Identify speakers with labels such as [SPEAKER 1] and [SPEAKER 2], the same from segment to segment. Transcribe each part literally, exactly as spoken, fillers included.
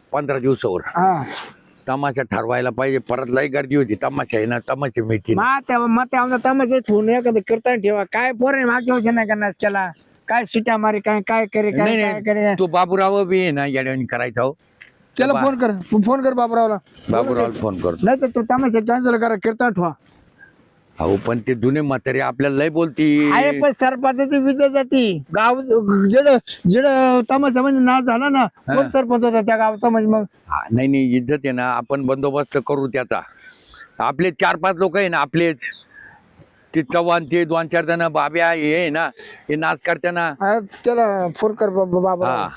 [SPEAKER 1] पंधरा दिवसावर
[SPEAKER 2] हा
[SPEAKER 1] तमाशा ठरवायला पाहिजे. परत लई गर्दी होती. तमाशा आहे ना, तमाशा मिळतील.
[SPEAKER 2] मग तेव्हा मग तेव्हा तमाशा ठेवून एखादं कीर्तन ठेवा. काय पोरे मागच्या वर्षी नाही करणार केला. काय शिट्या मारी काय काय करे काय
[SPEAKER 1] नाही
[SPEAKER 2] काय करे.
[SPEAKER 1] नाही, तो बाबूराव बी आहे ना येड्यावानी करायचा हो.
[SPEAKER 2] त्याला फोन कर फोन कर बाबूरावला.
[SPEAKER 1] बाबूरावला फोन करतो.
[SPEAKER 2] नाही तर तो तमाशा कॅन्सल करा कीर्तन ठेवा.
[SPEAKER 1] अहो पण ते जुने म्हातारे आपल्याला लय बोलती.
[SPEAKER 2] आहे पण सरपंचाची विजय जाती गाव जेड जेड तमाशा म्हणजे नाच झाला ना कोण सरपंच होता त्या गावचा म्हणजे मग
[SPEAKER 1] हा, नाही नाही, इज्जत आहे ना, आपण बंदोबस्त करू त्याचा. आपले चार पाच लोक आहे ना आपलेच, ते चव्हाण ते दोन चार जण बाब्या हे आहे ना, हे नाच करताना.
[SPEAKER 2] हा, त्याला फोन कर बाबा बाबा.
[SPEAKER 1] हा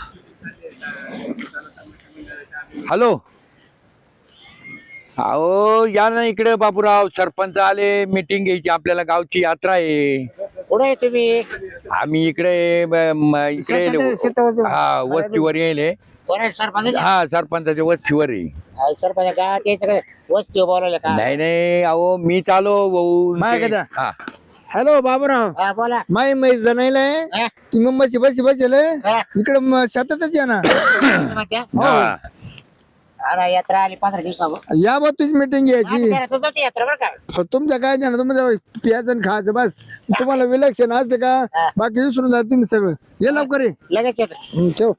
[SPEAKER 1] हॅलो, अहो या ना इकडे बाबूराव, सरपंच आले, मीटिंग घ्यायची आपल्याला, गावची यात्रा आहे.
[SPEAKER 3] कुठे आहे तुम्ही?
[SPEAKER 1] आम्ही इकडे ब- म- इकडे
[SPEAKER 2] शेतात- शेतावरचं.
[SPEAKER 1] हा वस्तीवर येले.
[SPEAKER 3] कोण आहे सरपंच?
[SPEAKER 1] हा सरपंचाच्या वस्तीवर आहे.
[SPEAKER 3] आहे सरपंच गावात यायचं का? वस्ती बोलावलं का?
[SPEAKER 1] नाही नाही, अहो मी चालो भाऊ.
[SPEAKER 2] माय
[SPEAKER 1] ते-
[SPEAKER 2] कदा?
[SPEAKER 1] हा
[SPEAKER 2] हॅलो बाबूराव.
[SPEAKER 3] हा बोला.
[SPEAKER 2] माय मै जणायला
[SPEAKER 3] हा?
[SPEAKER 2] ती मुंबईची बसी बसेल
[SPEAKER 3] हा?
[SPEAKER 2] इकडे म- शेतातच या ना.
[SPEAKER 3] तुम्ही म्हणत्या?
[SPEAKER 1] हा.
[SPEAKER 3] अरे यात्रा आली पंधरा दिवसावर.
[SPEAKER 2] या बा तुझी मीटिंग घ्यायची.
[SPEAKER 3] यात्रा बरं का?
[SPEAKER 2] तुमचं काय द्या ना तुम्ही प्यायचं आणि खायचं बस. तुम्हाला विलक्षण असते का
[SPEAKER 3] हा.
[SPEAKER 2] बाकी विसरून जा तुम्ही सगळं. ये लवकर ये.
[SPEAKER 3] लगेच येतो.
[SPEAKER 2] हं, ठेव.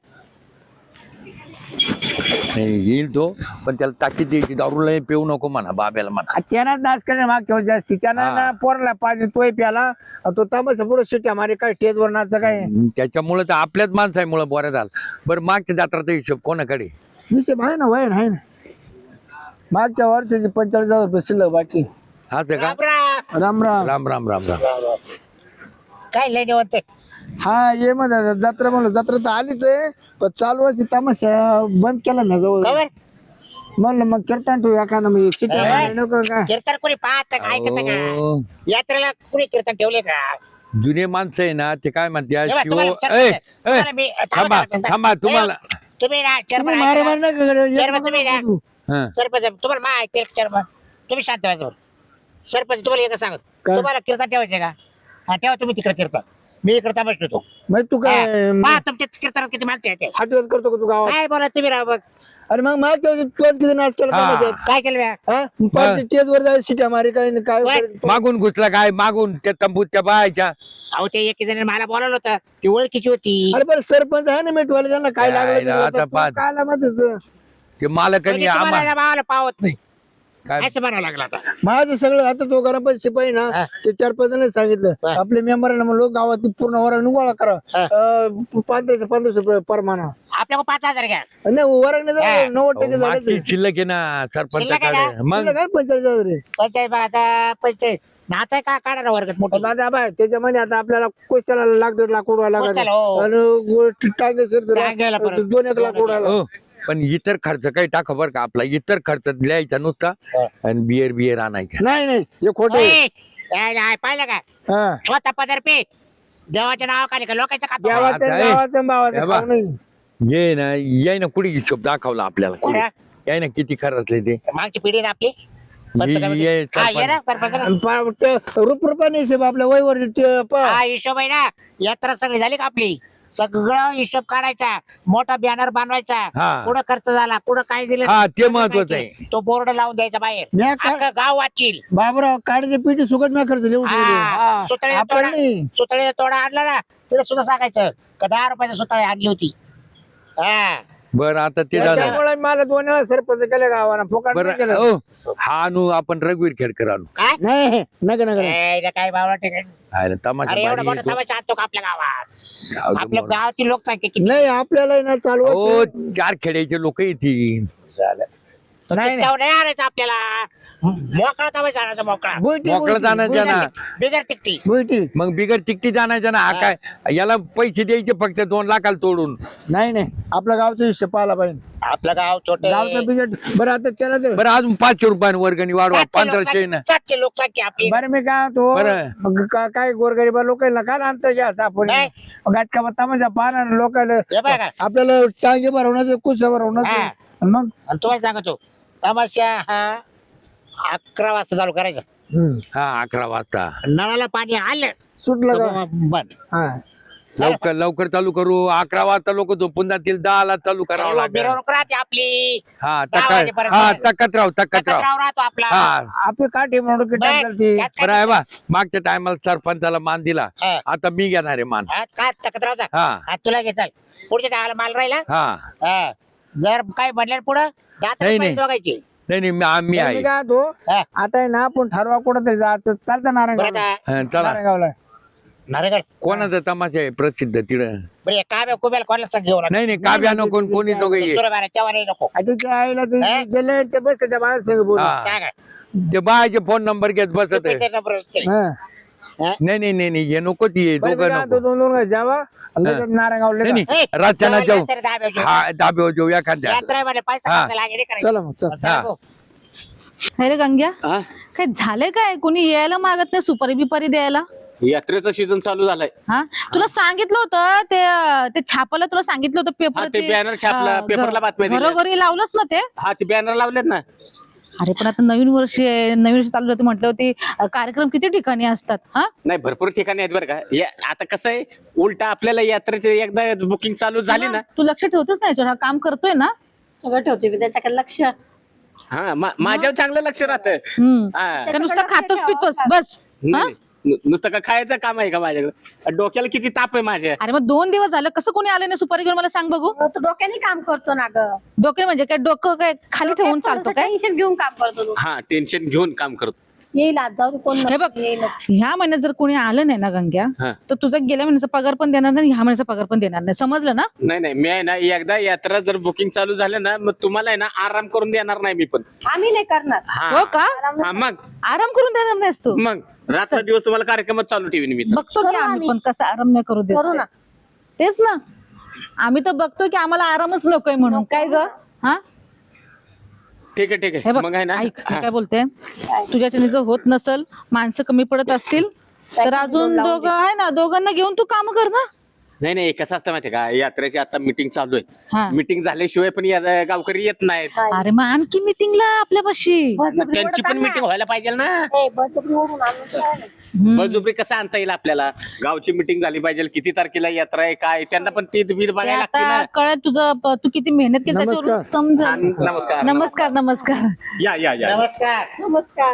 [SPEAKER 1] नाही, येईल तो, पण त्याला ताकीद द्यायची, दारू लय पिऊ नको म्हणा बाब्याला म्हणा.
[SPEAKER 2] त्यांना नाच करणे मागच्या वर्षी जास्ती त्यांना
[SPEAKER 1] हा.
[SPEAKER 2] ना पोरला पाहिजे तोय प्याला आणि तो तमाशा पुढे शिट्या मारे काय स्टेजवर नाच काय
[SPEAKER 1] त्याच्यामुळे तर आपल्याच माणसामुळे बरं झालं. बरं मागच्या जत्राचा हिशोब कोणाकडे?
[SPEAKER 2] विषय आहे ना वय आहे ना मागच्या वर्षाची पंचेचाळीस हजार रुपये शिल्लक बाकी.
[SPEAKER 1] हाच आहे का?
[SPEAKER 3] राम राम.
[SPEAKER 2] राम राम.
[SPEAKER 1] राम राम राम राम.
[SPEAKER 3] काय लय निवंत?
[SPEAKER 2] हा ये मग दादा, जत्रा म्हणलं जत्रा तर आलीच आहे पण चालू वर्षी तमाशा बंद केला ना जवळ.
[SPEAKER 3] खबर?
[SPEAKER 2] म्हणलं मग कीर्तन ठेवू एखादं मी शिट्या
[SPEAKER 3] ए.
[SPEAKER 2] मारे नको का.
[SPEAKER 3] कीर्तन कोणी पाहत का ऐकत का?
[SPEAKER 1] अहो,
[SPEAKER 3] यात्रेला कोणी कीर्तन ठेवले का?
[SPEAKER 1] जुने माणसं आहे ना, ते काय म्हणते
[SPEAKER 3] हे बघ,
[SPEAKER 1] शिव.
[SPEAKER 3] तुम्हाला
[SPEAKER 1] ए,
[SPEAKER 3] विचारतो.
[SPEAKER 1] ए,
[SPEAKER 3] तुम्हाला मी-
[SPEAKER 1] थांबा
[SPEAKER 3] थांबा, थांबा.
[SPEAKER 1] थांबा तुम्हाला.
[SPEAKER 3] तुम्ही ना
[SPEAKER 2] तुम्ही
[SPEAKER 3] चेअरमन
[SPEAKER 2] मारे
[SPEAKER 3] ऐका.
[SPEAKER 2] मारे नका करू. ये
[SPEAKER 3] चेअरमन
[SPEAKER 2] नका
[SPEAKER 3] तुम्ही ना
[SPEAKER 2] करू.
[SPEAKER 1] हा.
[SPEAKER 3] सरपंच तुम्हाला मा ऐकते चेअरमन. तुम्ही शांत व्हायचं. सरपंच तुम्हाला एकच सांगत,
[SPEAKER 2] काय?
[SPEAKER 3] तुम्हाला कीर्तन ठेवायचे का? हा ठेवा, तुम्ही तिकडे कीर्तन, मी इकडे तमाश ठेवतो.
[SPEAKER 2] मग तू काय
[SPEAKER 3] पहा तुमच्या कीर्तनात किती माणसं येते.
[SPEAKER 2] हटवत करतो का तू गावात?
[SPEAKER 3] काय बोला तुम्ही राव बघ.
[SPEAKER 2] अरे मग मागच्या वर्षी तोच किती नाच केला
[SPEAKER 1] हा.
[SPEAKER 2] तमाशात.
[SPEAKER 3] काय केलं बॅ?
[SPEAKER 2] हा? पाच स्टेज वर जायचं शिट्या मारे काय नाही काय
[SPEAKER 3] काय?
[SPEAKER 2] करेल.
[SPEAKER 1] मागून घुसला काय? मागून त्या तंबूत त्या बायच्या.
[SPEAKER 3] अहो ते एक जण मला बोलावलं होतं, ती ओळखीची होती.
[SPEAKER 2] अरे बरं सरपंच आहे ना मेटवाले त्यांना काय
[SPEAKER 1] काय
[SPEAKER 2] लागलं
[SPEAKER 1] रा- आता पाच.
[SPEAKER 2] काय लागलं
[SPEAKER 1] ते मालकांनी
[SPEAKER 3] म्हणजे तुम्हाला
[SPEAKER 1] आम्हाला
[SPEAKER 3] या भावाला पावत नाही
[SPEAKER 1] काय
[SPEAKER 3] असं म्हणावं लागलं आता.
[SPEAKER 2] माझं सगळं आता तो गणपती शिपाई ना
[SPEAKER 3] हा.
[SPEAKER 2] ते चार पाच जण सांगितलं
[SPEAKER 3] हा.
[SPEAKER 2] आपल्या मेंबरांना म्हणलो गावात पूर्ण वरण गोळा करा
[SPEAKER 3] हा.
[SPEAKER 2] अं, पंधराशे पंधराशे रुपये परमाना
[SPEAKER 3] आपल्याकडे पाच हजार घ्या.
[SPEAKER 2] नाही वरण
[SPEAKER 3] हा.
[SPEAKER 2] नव्वद टक्के
[SPEAKER 1] अहो, मागची
[SPEAKER 2] झाले
[SPEAKER 1] शिल्लक आहे ना
[SPEAKER 3] शिल्लक आहे
[SPEAKER 1] सरपंचाकडे.
[SPEAKER 3] ना?
[SPEAKER 1] मग
[SPEAKER 2] तुला काय पंचेचाळीस हजार रे
[SPEAKER 3] पंचायत आता पंचायत नाता का काढा ना वर्गात मोठं.
[SPEAKER 2] दादा बाय त्याच्यामध्ये आता आपल्याला कोस्त्याला लाख दीड लाख उडवायला लागत
[SPEAKER 3] कोस्त्याला, हो.
[SPEAKER 2] आणि टांगे
[SPEAKER 3] टांग्याला परत.
[SPEAKER 2] दोन एक लाख उडवायला
[SPEAKER 1] हो, पण इतर खर्च काही टाका बरं का. आपला इतर खर्च लिहायचा नुसता
[SPEAKER 3] हा.
[SPEAKER 1] आणि बियर बियर आणायचा.
[SPEAKER 2] नाही नाही हे खोटे
[SPEAKER 3] ओय, काय नाही, पाहिलं का
[SPEAKER 2] हा
[SPEAKER 3] स्वतः पदर पे देवाच्या नावाखाली का लोकांचं खातो.
[SPEAKER 2] गावाचं
[SPEAKER 1] आता हे-
[SPEAKER 2] गावाचं भावाचं
[SPEAKER 1] हे बा.
[SPEAKER 2] खाऊ नाही.
[SPEAKER 1] ये ना याय ना कुठे हिशोब दाखवला आपल्याला कुठे. याय ना किती खर्चले ते.
[SPEAKER 3] मागची पिढी ना आपली. पंच
[SPEAKER 1] ये-
[SPEAKER 3] कमिटी.
[SPEAKER 1] ये
[SPEAKER 3] हा, ये ना
[SPEAKER 1] सरपंच.
[SPEAKER 3] सरपंच ना.
[SPEAKER 2] आणि पा- ते रुप रुपयाने हिशोब आपल्या वयवर ते प-
[SPEAKER 3] हा हिशोब आहे ना. यात्रा सगळी झाली का आपली, सगळं हिशोब काढायचा, मोठा बॅनर बनवायचा,
[SPEAKER 1] हा.
[SPEAKER 3] कुठं खर्च झाला, कुठं काय दिलं,
[SPEAKER 1] हा, ते
[SPEAKER 3] कुठं
[SPEAKER 1] महत्वाचं
[SPEAKER 3] काय
[SPEAKER 1] आहे.
[SPEAKER 3] केलं, तो बोर्ड लावून द्यायचा बाहेर.
[SPEAKER 2] म्या का-
[SPEAKER 3] अख्खं गाव वाचील.
[SPEAKER 2] बाबराव काढायचे पिठी सुकट मी खर्च लिहून ठेवले.
[SPEAKER 3] हा,
[SPEAKER 2] हा.
[SPEAKER 3] सुतळेचा
[SPEAKER 2] आपण
[SPEAKER 3] तोडा
[SPEAKER 2] नाही.
[SPEAKER 3] सुतळेचा तोडा आणला ना, तिथे सुद्धा सांगायचं का दहा रुपयाची सुतळी आणली होती. हा
[SPEAKER 1] बरं आता ते झालं.
[SPEAKER 2] त्याच्यामुळे मला दोन वेळा सरपंच केलं गावाला फुकट नाही
[SPEAKER 1] बरं
[SPEAKER 2] केलं.
[SPEAKER 1] हो, हा आणू आपण रघुवीर खेडकर आणू.
[SPEAKER 3] काय
[SPEAKER 2] नाही नका नका
[SPEAKER 3] ए, इथं काय बावळा ठिकाणी.
[SPEAKER 1] आयला तमाशा
[SPEAKER 3] अरे एवढा
[SPEAKER 1] भारी
[SPEAKER 3] मोठा
[SPEAKER 1] येतो.
[SPEAKER 3] तमाशा आणतो का आपल्या गावात?
[SPEAKER 1] जाऊ दे
[SPEAKER 3] आपल्या
[SPEAKER 1] मोरा.
[SPEAKER 3] गावाची लोकसंख्या किती?
[SPEAKER 2] नाही आपल्याला आहे ना चालू
[SPEAKER 1] हो,
[SPEAKER 2] वर्षी-
[SPEAKER 1] चार खेड्याचे लोक येतील.
[SPEAKER 2] नाही नाही.
[SPEAKER 3] तेवढं नाही आणायचं आपल्याला. मोकळा तमाशा आणायचा, मोकळा
[SPEAKER 2] बुईटी,
[SPEAKER 1] मोकळं
[SPEAKER 2] बुईटी,
[SPEAKER 1] जाण्याचं ना.
[SPEAKER 3] बिगर तिकटी.
[SPEAKER 2] बुईटी.
[SPEAKER 1] मग बिगर तिकटी जाण्याच्या ना. हा काय याला पैसे द्यायचे फक्त दोन लाखाला तोडून.
[SPEAKER 2] नाही नाही आपल्या गावचा हिशोब पाहिला पाहिजे.
[SPEAKER 3] आपलं गाव छोट
[SPEAKER 2] गावचं बिजट बरं आता त्याला ते-
[SPEAKER 1] बरं अजून पाचशे रुपयाने वर्गणी वाढवा. पंधराशे ना.
[SPEAKER 3] सातशे लोकसंख्या आपली.
[SPEAKER 2] बरं मी काय तो
[SPEAKER 1] बरं.
[SPEAKER 2] काय गोरगरीबा लोकांना काय आणतं घ्यायचं आपण
[SPEAKER 3] नाही.
[SPEAKER 2] गाठका तमाशा पाहणार लोकांना
[SPEAKER 3] हे बघा.
[SPEAKER 2] आपल्याला टांगे भरवण्याचं कुस
[SPEAKER 3] हा.
[SPEAKER 2] भरवण्याचं मग
[SPEAKER 3] आणि तुम्हाला सांगतो तमाशा हा अकरा वाजता चालू करायचा.
[SPEAKER 2] हम्म.
[SPEAKER 1] हा अकरा वाजता.
[SPEAKER 3] नळाला पाणी आलं
[SPEAKER 2] सुटलं का
[SPEAKER 3] तर बंद.
[SPEAKER 2] हा
[SPEAKER 1] लवकर लवकर चालू करू. अकरा वाजता लोक झोपून जातील, दहाला चालू करावं लागेल.
[SPEAKER 3] मिरवणूक राहते आपली.
[SPEAKER 1] हा
[SPEAKER 3] दहा
[SPEAKER 1] तक
[SPEAKER 3] वाजेपर्यंत.
[SPEAKER 1] हा तकत राहू तकत राहू
[SPEAKER 3] कचराव राहतो आपला.
[SPEAKER 1] हा
[SPEAKER 2] आपली काठी म्हणून की
[SPEAKER 3] बरं,
[SPEAKER 2] टाकलती.
[SPEAKER 3] त्यात काय
[SPEAKER 1] बरं आहे बा. मागच्या टायमाला सरपंचाला मान दिला,
[SPEAKER 3] हा.
[SPEAKER 1] आता मी घेणार आहे मान.
[SPEAKER 3] हा, काय तक्रार होता?
[SPEAKER 1] हा
[SPEAKER 3] हा, तुला घे चल. पुढच्या टाळाला माल राहिला.
[SPEAKER 1] हा
[SPEAKER 3] हा. जर काय बनल्या पुढं दात
[SPEAKER 1] नाही, नाही.
[SPEAKER 3] दोघायची.
[SPEAKER 1] नाही नाही मी आम्ही
[SPEAKER 2] तर मी
[SPEAKER 1] आहे.
[SPEAKER 2] काय तो
[SPEAKER 3] हा.
[SPEAKER 2] आता आहे ना आपण ठरवा कुठं तरी जायचं. चालतं
[SPEAKER 3] बरं
[SPEAKER 2] नारायणगावला.
[SPEAKER 3] आता
[SPEAKER 1] हा, चला.
[SPEAKER 2] नारायणगावला
[SPEAKER 3] नारेगड.
[SPEAKER 1] कोणाचा तमाशा आहे प्रसिद्ध तिकडं?
[SPEAKER 3] बरं हे काय कुबेल कोणाला सांग घेऊन
[SPEAKER 1] नाही नाही काव्या नको कोणी नको ये.
[SPEAKER 3] चव्हाण नको.
[SPEAKER 2] आता त्या आईला ते
[SPEAKER 3] हा?
[SPEAKER 2] गेले ते बस त्या बाळा संग बोल.
[SPEAKER 1] हा.
[SPEAKER 3] सांगा.
[SPEAKER 1] ते बायचे फोन नंबर घेत बसत आहे.
[SPEAKER 3] ते नंबर असते.
[SPEAKER 2] हा.
[SPEAKER 3] हा?
[SPEAKER 1] नाही नाही नाही नाही हे नको ती
[SPEAKER 2] बरं, मी
[SPEAKER 1] दोघं
[SPEAKER 2] काय
[SPEAKER 1] नको.
[SPEAKER 2] तो दोन दोन गाय जावा आणि लगेच नारायणगावला
[SPEAKER 1] नाही
[SPEAKER 2] निघा.
[SPEAKER 1] नाही
[SPEAKER 3] ए,
[SPEAKER 1] रस्त्यानं
[SPEAKER 3] जेवायला
[SPEAKER 1] जाऊ.
[SPEAKER 3] तरी दहा वाजे.
[SPEAKER 1] हा दाबे जाऊ एखाद्या.
[SPEAKER 3] यात्रा आहे म्हणे, पैसा
[SPEAKER 1] हा.
[SPEAKER 3] खर्च लागेल, हे करायचं.
[SPEAKER 2] चला मग चल.
[SPEAKER 3] चला
[SPEAKER 1] हा.
[SPEAKER 3] भाऊ.
[SPEAKER 4] अरे गंग्या
[SPEAKER 5] हा
[SPEAKER 4] काय झालंय काय कोणी यायला मागत नाही सुपारी बिपारी द्यायला?
[SPEAKER 5] यात्रेचा सीझन चालू झालाय.
[SPEAKER 4] हा तुला सांगितलं होतं ते ते छापाला तुला सांगितलं होतं पेपर
[SPEAKER 5] हा, ते banner छापलं, पेपरला बातम्या दिल्या.
[SPEAKER 4] घरोघरी लावलंच ना ते.
[SPEAKER 5] हा ते बॅनर लावलेत ना.
[SPEAKER 4] अरे पण आता नवीन वर्ष आहे, नवीन वर्ष चालू होते म्हटलं होती कार्यक्रम किती ठिकाणी असतात. हा
[SPEAKER 5] नाही भरपूर ठिकाणी आहेत बरं का. या- आता कसं आहे उलट आपल्याला यात्रेचे एकदा बुकिंग चालू झाली ना.
[SPEAKER 4] तू लक्ष ठेवतच नाही याच्यावर, हा काम करतोय ना.
[SPEAKER 6] सगळं ठेवते मी त्याच्याकडे लक्ष.
[SPEAKER 5] हा मा- माझ्यावर चांगलं लक्ष राहतं.
[SPEAKER 4] हम्म
[SPEAKER 5] हा.
[SPEAKER 4] का नुसतं खातोच पितोस बस. हा?
[SPEAKER 5] नाही, नु- नुसतं का खायचं काम आहे का माझ्याकडे? डोक्याला किती ताप आहे माझ्या.
[SPEAKER 4] अरे मग दोन दिवस झालं कसं कोणी आलं नाही सुपारी घेऊन मला सांग बघू.
[SPEAKER 6] तो डोक्याने काम करतो ना ग.
[SPEAKER 4] डोके म्हणजे काय डोकं काय खाली ठेवून चालतो काय?
[SPEAKER 6] टेन्शन घेऊन काम करतो तो.
[SPEAKER 5] हा टेन्शन घेऊन काम करतो.
[SPEAKER 6] येईल आज जाऊ दे, कोण
[SPEAKER 4] हे
[SPEAKER 6] नसेल,
[SPEAKER 4] बघ
[SPEAKER 6] येईलच.
[SPEAKER 4] ह्या महिन्यात जर कोणी आलं नाही ना गंग्या
[SPEAKER 5] हा.
[SPEAKER 4] तर तुझा गेल्या महिन्याचा पगार पण देणार नाही, ह्या महिन्याचा पगार पण देणार नाही. समजलं ना?
[SPEAKER 5] नाही नाही मी आहे ना एकदा यात्रा जर बुकिंग चालू झालं ना मग तुम्हाला आहे ना आराम करून देणार नाही मी पण.
[SPEAKER 6] आम्ही नाही करणार.
[SPEAKER 5] हा.
[SPEAKER 4] हो का?
[SPEAKER 5] हा, मग
[SPEAKER 4] आराम करून देणार नाहीस तू?
[SPEAKER 5] मग रात्र दिवस तुम्हाला कार्यक्रमच चालू ठेवीन मी तर.
[SPEAKER 4] बघतो की
[SPEAKER 6] करू
[SPEAKER 4] आम्ही
[SPEAKER 6] आम्ही.
[SPEAKER 4] पण कसा आराम नाही करू देत.
[SPEAKER 6] करू ना.
[SPEAKER 4] तेच ना, आम्ही तर बघतो की आम्हाला आरामच नकोय म्हणून. काय ग? हा
[SPEAKER 5] ठीक आहे ठीक
[SPEAKER 4] हे
[SPEAKER 5] आहे
[SPEAKER 4] बघ
[SPEAKER 5] मग आहे ना.
[SPEAKER 4] ऐक मी
[SPEAKER 5] हा.
[SPEAKER 4] काय बोलते, तुझ्याच्याने जर होत नसल, माणसं कमी पडत असतील तर अजून दोघं आहे ना, दोघांना घेऊन तू काम कर ना.
[SPEAKER 5] नाही नाही कसं असतं माहितीये का यात्रेची आता मीटिंग चालू आहे.
[SPEAKER 4] हा.
[SPEAKER 5] मीटिंग झाल्याशिवाय पण या- गावकरी येत नाहीत.
[SPEAKER 4] अरे मग आणखी मिटिंगला आपल्यापाशी.
[SPEAKER 6] बळजबरी
[SPEAKER 5] त्यांची पण
[SPEAKER 6] ओढत आण
[SPEAKER 5] मीटिंग व्हायला पाहिजे ना.
[SPEAKER 6] ना. ए, बळजबरी ओढून आणून काय नाही.
[SPEAKER 4] हम्म.
[SPEAKER 5] बळजुबरी कसं आणता येईल आपल्याला? गावची मीटिंग झाली पाहिजे, किती तारखेला यात्रा आहे काय त्यांना पण ती बीर
[SPEAKER 4] ते
[SPEAKER 5] बघायला लागते
[SPEAKER 4] आता
[SPEAKER 5] ना.
[SPEAKER 4] कळत तुझं प- तू किती मेहनत केली त्याच्यावरून
[SPEAKER 2] नमस्कार.
[SPEAKER 5] हा,
[SPEAKER 4] समजेल.
[SPEAKER 5] नमस्कार
[SPEAKER 4] नमस्कार नमस्कार.
[SPEAKER 5] या या या
[SPEAKER 3] नमस्कार.
[SPEAKER 6] नमस्कार.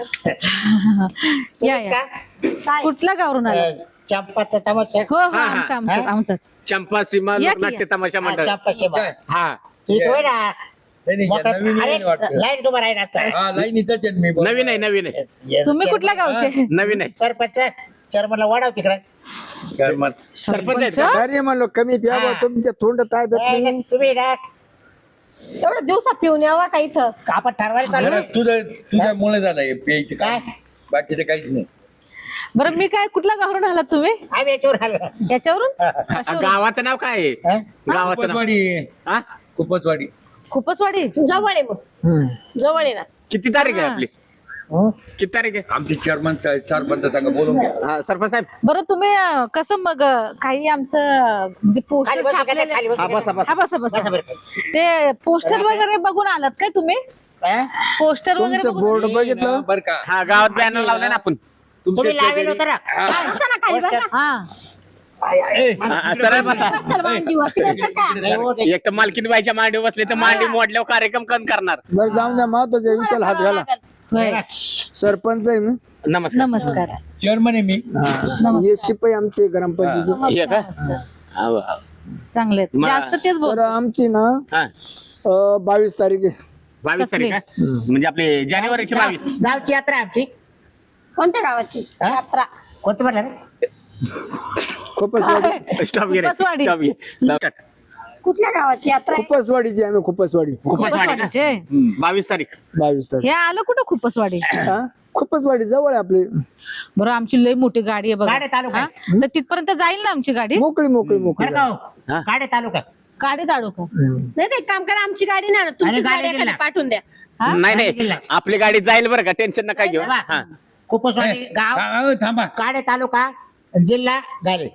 [SPEAKER 4] या या.
[SPEAKER 6] काय?
[SPEAKER 4] कुठल्या गावरून आला?
[SPEAKER 3] अ, चंपाचा तमाशा.
[SPEAKER 4] हो हो
[SPEAKER 5] हा, हा.
[SPEAKER 4] आमचा आमचाच
[SPEAKER 3] हा?
[SPEAKER 4] आमचाच.
[SPEAKER 5] चंपा सीमा
[SPEAKER 4] या की
[SPEAKER 5] लोकनाट्य तमाशा
[SPEAKER 3] हा,
[SPEAKER 5] मंडळ.
[SPEAKER 3] चंपा शिवा.
[SPEAKER 5] हा
[SPEAKER 3] ठीक होय ना.
[SPEAKER 1] नाही, नाही,
[SPEAKER 3] मोठा-
[SPEAKER 1] नवीन
[SPEAKER 3] अरे,
[SPEAKER 1] नवीन वाटतं.
[SPEAKER 3] लाईट तुम्हा राहिला.
[SPEAKER 1] हा लाईन इथंच आहे मी बरोबर.
[SPEAKER 5] नवीन आहे नवीन आहे
[SPEAKER 4] तुम्ही कुठल्या गावचे?
[SPEAKER 5] नवीन आहे.
[SPEAKER 3] सरपंच चेअरमनला वाढव तिकडे.
[SPEAKER 1] कर्मात.
[SPEAKER 5] सरपंच आहेत का?
[SPEAKER 2] अरे म्हणलो कमी प्या
[SPEAKER 3] हा.
[SPEAKER 2] तुमच्या तोंड ताय देत
[SPEAKER 3] ए,
[SPEAKER 2] नाही.
[SPEAKER 3] तुम्ही ना
[SPEAKER 6] एवढं दिवसा पिऊन यावा का इथं?
[SPEAKER 3] आपण ठरवायला चालू
[SPEAKER 1] जरा तुझं तुझ्यामुळे झालं हे प्यायचं
[SPEAKER 3] काय?
[SPEAKER 1] काय बाकीचं काहीच नाही.
[SPEAKER 4] बरं मी काय कुठल्या गावरून आलात तुम्ही?
[SPEAKER 3] आम्ही याच्यावर आलो.
[SPEAKER 4] याच्यावरून?
[SPEAKER 5] आ,
[SPEAKER 4] कशावरून?
[SPEAKER 5] गावाचं नाव काय आहे?
[SPEAKER 3] हा?
[SPEAKER 5] गावाचं नाव
[SPEAKER 1] खूपचवाडी
[SPEAKER 5] हा?
[SPEAKER 1] खूपचवाडी.
[SPEAKER 4] खूपच वाडी.
[SPEAKER 6] जवळ आहे मग.
[SPEAKER 2] हम्म.
[SPEAKER 6] जवळ आहे ना.
[SPEAKER 5] किती तारीख आहे
[SPEAKER 4] हा.
[SPEAKER 5] आपली?
[SPEAKER 2] हं?
[SPEAKER 5] किती तारीख आहे?
[SPEAKER 1] आमचे चेअरमन सरपंच सांगा बोलून घ्या.
[SPEAKER 5] हा, सरपंच साहेब
[SPEAKER 4] बरं तुम्ही अं, कसं मग अं, काही आमचं म्हणजे
[SPEAKER 3] खाली
[SPEAKER 4] पोस्टर
[SPEAKER 3] बसू का?
[SPEAKER 4] छापलेले.
[SPEAKER 3] खाली बसू
[SPEAKER 5] हा,
[SPEAKER 3] का?
[SPEAKER 5] बसा, बसा.
[SPEAKER 4] हा बसा
[SPEAKER 3] बसा
[SPEAKER 4] बसा.
[SPEAKER 3] बरं.
[SPEAKER 4] ते पोस्टर वगैरे बघून आलात काय तुम्ही?
[SPEAKER 3] हा?
[SPEAKER 4] पोस्टर वगैरे
[SPEAKER 2] तुमचं
[SPEAKER 4] बघून
[SPEAKER 2] बोर्ड बघितलं
[SPEAKER 1] बरं का
[SPEAKER 5] हा गावात बॅनर लावले ना आपण.
[SPEAKER 3] तुम्ही लावेल होतं ना.
[SPEAKER 6] बसा ना खाली बसा.
[SPEAKER 4] हा
[SPEAKER 1] ए,
[SPEAKER 5] हा, हा, सरळ बसा.
[SPEAKER 6] चल मांडीवर. फिरायचं का?
[SPEAKER 3] नाही हो, ते-
[SPEAKER 5] एक तर मालकीन बाईच्या मांडी बसले तर मांडी मोडल्यावर कार्यक्रम कोण करणार?
[SPEAKER 2] बरं जाऊन द्या महत्वाच्या विषयाला हात घाला.
[SPEAKER 4] होय.
[SPEAKER 2] सरपंच आहे मी.
[SPEAKER 5] नमस्कार.
[SPEAKER 4] नमस्कार.
[SPEAKER 1] चेअरमन आहे मी.
[SPEAKER 2] हा. हे शिपाई आमचे ग्रामपंचायतीचे.
[SPEAKER 5] हे का? हा, वा.
[SPEAKER 4] चांगले आहेत.
[SPEAKER 5] मा-
[SPEAKER 4] जास्त तेच बोल.
[SPEAKER 2] तर आमची ना
[SPEAKER 5] हा.
[SPEAKER 2] अं, बावीस तारीख आहे.
[SPEAKER 5] बावीस तारीख का? म्हणजे आपले जानेवारीची बावीस.
[SPEAKER 3] गावची यात्रा आहे आमची.
[SPEAKER 6] कोणत्या गावाची
[SPEAKER 3] हा?
[SPEAKER 6] यात्रा?
[SPEAKER 3] कोणतं म्हणलं रे?
[SPEAKER 2] खूपच वाडी.
[SPEAKER 5] स्टॉप घे रे.
[SPEAKER 4] खूपचवाडी.
[SPEAKER 5] स्टॉप घे. स्टार्ट.
[SPEAKER 6] कुठल्या गावाची यात्रा आहे?
[SPEAKER 2] खूपच वाडीची आम्ही खूपच वाडी.
[SPEAKER 5] खूपच वाढे का?
[SPEAKER 4] वाडीचे.
[SPEAKER 5] हम्म, बावीस तारीख.
[SPEAKER 2] बावीस तारीख.
[SPEAKER 4] हे आलं कुठं खूपच वाडी?
[SPEAKER 2] हा? खूपच वाडी जवळ आहे आपली.
[SPEAKER 4] बरं आमची लय मोठी गाडी आहे बघा.
[SPEAKER 3] गाडी चालू
[SPEAKER 4] हा?
[SPEAKER 3] काय?
[SPEAKER 4] तर तिथपर्यंत जाईल ना आमची गाडी?
[SPEAKER 2] मोकळी मोकळी मोकळी
[SPEAKER 3] बरं का हो?
[SPEAKER 5] हा?
[SPEAKER 3] काढे तालुका.
[SPEAKER 4] गाडी दाडू का?
[SPEAKER 2] हम्म.
[SPEAKER 6] नाही ते एक काम करा, आमची गाडी नाही ना, तुमची
[SPEAKER 3] आणि गाडी
[SPEAKER 6] गाडी एखादी
[SPEAKER 3] दिला.
[SPEAKER 6] पाठवून द्या.
[SPEAKER 4] हा?
[SPEAKER 5] नाही नाही
[SPEAKER 3] जिल्हा.
[SPEAKER 5] आपली गाडी जाईल बरं का टेन्शन नका घेऊ.
[SPEAKER 3] बाबा,
[SPEAKER 5] हा.
[SPEAKER 3] कुपसवाडी
[SPEAKER 1] ए,
[SPEAKER 3] गाव
[SPEAKER 1] हा, हा, थांबा.
[SPEAKER 3] काडे तालुका जिल्हा गाले.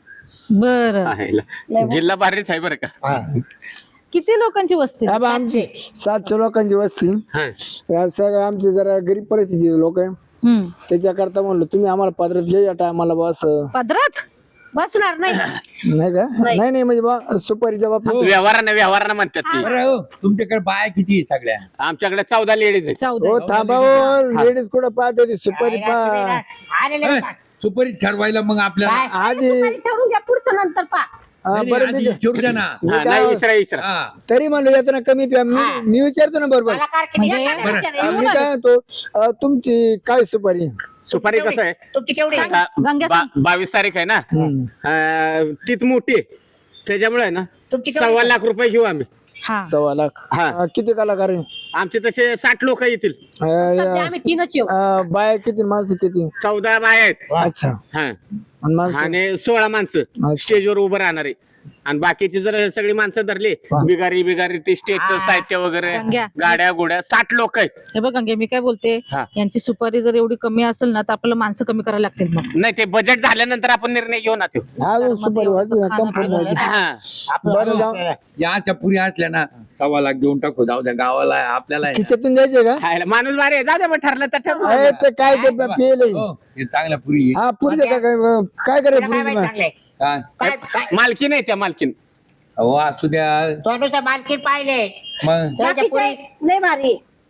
[SPEAKER 4] बरं
[SPEAKER 5] आहे. जिल्हा भारीच आहे बरं का.
[SPEAKER 3] हा.
[SPEAKER 4] किती लोकांची वस्ती?
[SPEAKER 2] हा बा आमची सातशे लोकांची वस्ती.
[SPEAKER 5] हा.
[SPEAKER 2] या सगळं आमचे जरा गरीब परिस्थितीचे लोक आहे.
[SPEAKER 4] हम्म.
[SPEAKER 2] त्याच्याकरता म्हणलो तुम्ही आम्हाला पदरात घ्या या टायमाला बस.
[SPEAKER 4] पदरात?
[SPEAKER 6] बसणार नाही.
[SPEAKER 2] नाही का नाही नाही म्हणजे बा सुपारीच्या बाबतीत
[SPEAKER 5] व्यवहारानं व्यवहारानं म्हणतात ती
[SPEAKER 1] बरं हो, तुमच्याकडे बाया किती आहे सगळ्या?
[SPEAKER 5] आमच्याकडे चौदा लेडीज आहेत
[SPEAKER 4] चौदा
[SPEAKER 2] हो थांबा हो लेडीज कुठं पाहते ती सुपारी पा
[SPEAKER 3] आलेले
[SPEAKER 1] ए, सुपारी ठरवायला मग आपल्याला
[SPEAKER 2] आधी
[SPEAKER 6] दुपारी ठरवून घ्या पुढचं नंतर पा.
[SPEAKER 2] हा,
[SPEAKER 1] नाही,
[SPEAKER 2] बरं
[SPEAKER 1] नाही,
[SPEAKER 2] मी
[SPEAKER 1] आधी ठरवू द्या ना.
[SPEAKER 2] मी
[SPEAKER 5] हा,
[SPEAKER 2] काय-
[SPEAKER 5] नाही इसरा इसरा
[SPEAKER 1] हा.
[SPEAKER 2] तरी म्हणलं येतो ना कमी प्या मी मी विचारतो ना बरोबर
[SPEAKER 3] मला कार किती
[SPEAKER 4] म्हणजे
[SPEAKER 3] आहे?
[SPEAKER 1] बरं.
[SPEAKER 6] विचारा,
[SPEAKER 2] मी काय म्हणतो अं, तुमची काय सुपारी
[SPEAKER 5] सुपारी कसं आहे
[SPEAKER 3] तुमची केवढी आहे?
[SPEAKER 5] आता
[SPEAKER 4] गंग्या
[SPEAKER 5] बा- बावीस तारीख आहे ना
[SPEAKER 2] हम्म.
[SPEAKER 5] अं, तीच मोठी आहे. त्याच्यामुळे आहे ना
[SPEAKER 3] तुमची केवढी
[SPEAKER 5] सव्वा
[SPEAKER 3] आहे?
[SPEAKER 5] लाख रुपये घेऊ आम्ही
[SPEAKER 4] हा
[SPEAKER 2] सव्वा लाख
[SPEAKER 5] हा.
[SPEAKER 2] अं, किती कलाकार आहे
[SPEAKER 5] आमचे तसे साठ लोक येतील
[SPEAKER 6] सध्या आम्ही तीनच येऊ.
[SPEAKER 2] अं, बाया किती माणसं किती
[SPEAKER 5] चौदा बाय आहेत
[SPEAKER 2] अच्छा
[SPEAKER 5] हा
[SPEAKER 2] आणि माणसं
[SPEAKER 5] आणि सोळा माणसं
[SPEAKER 2] अच्छा.
[SPEAKER 5] स्टेजवर उभं राहणारे आणि बाकीची जर सगळी माणसं धरली बिगारी बिगारी ते स्टेजचं साहित्य वगैरे
[SPEAKER 4] गंग्या.
[SPEAKER 5] गाड्या गोड्या साठ लोक आहेत
[SPEAKER 4] हे बघ गंगे मी काय बोलते
[SPEAKER 5] हा.
[SPEAKER 4] यांची सुपारी जर एवढी कमी असेल ना तर आपल्याला माणसं कमी करायला लागतील मग.
[SPEAKER 5] नाही ते बजेट झाल्यानंतर आपण निर्णय घेऊ ना तो
[SPEAKER 2] हा सुपारी व्हायची ना कम्फर्ट व्हायची
[SPEAKER 5] हा
[SPEAKER 2] बरं जाऊ
[SPEAKER 1] याच्या पुरी असल्या ना सव्वा लाख देऊन टाकू जाऊ द्या गावाला आपल्याला आहे ना.
[SPEAKER 2] खिशातून द्यायचे का
[SPEAKER 5] खायला माणूस बारे आहे. जाऊ दे मग ठरलं तर ठरलं.
[SPEAKER 2] अरे ते काय ते पेले
[SPEAKER 1] हो, हे चांगल्या पुरी आहे.
[SPEAKER 2] हा पुरीचे काय काय काय
[SPEAKER 3] तुला
[SPEAKER 2] करायचं
[SPEAKER 3] काय माहिती
[SPEAKER 2] पुरीचे
[SPEAKER 3] चांगले?
[SPEAKER 1] काय?
[SPEAKER 3] काय काय
[SPEAKER 5] मालकीन आहे त्या मालकीन
[SPEAKER 1] अहो असू द्या
[SPEAKER 3] तोंडूचा मालकीन पाहिले
[SPEAKER 1] मग
[SPEAKER 3] त्याच्या
[SPEAKER 6] बाकीचे
[SPEAKER 3] पुढे
[SPEAKER 6] लय भारी.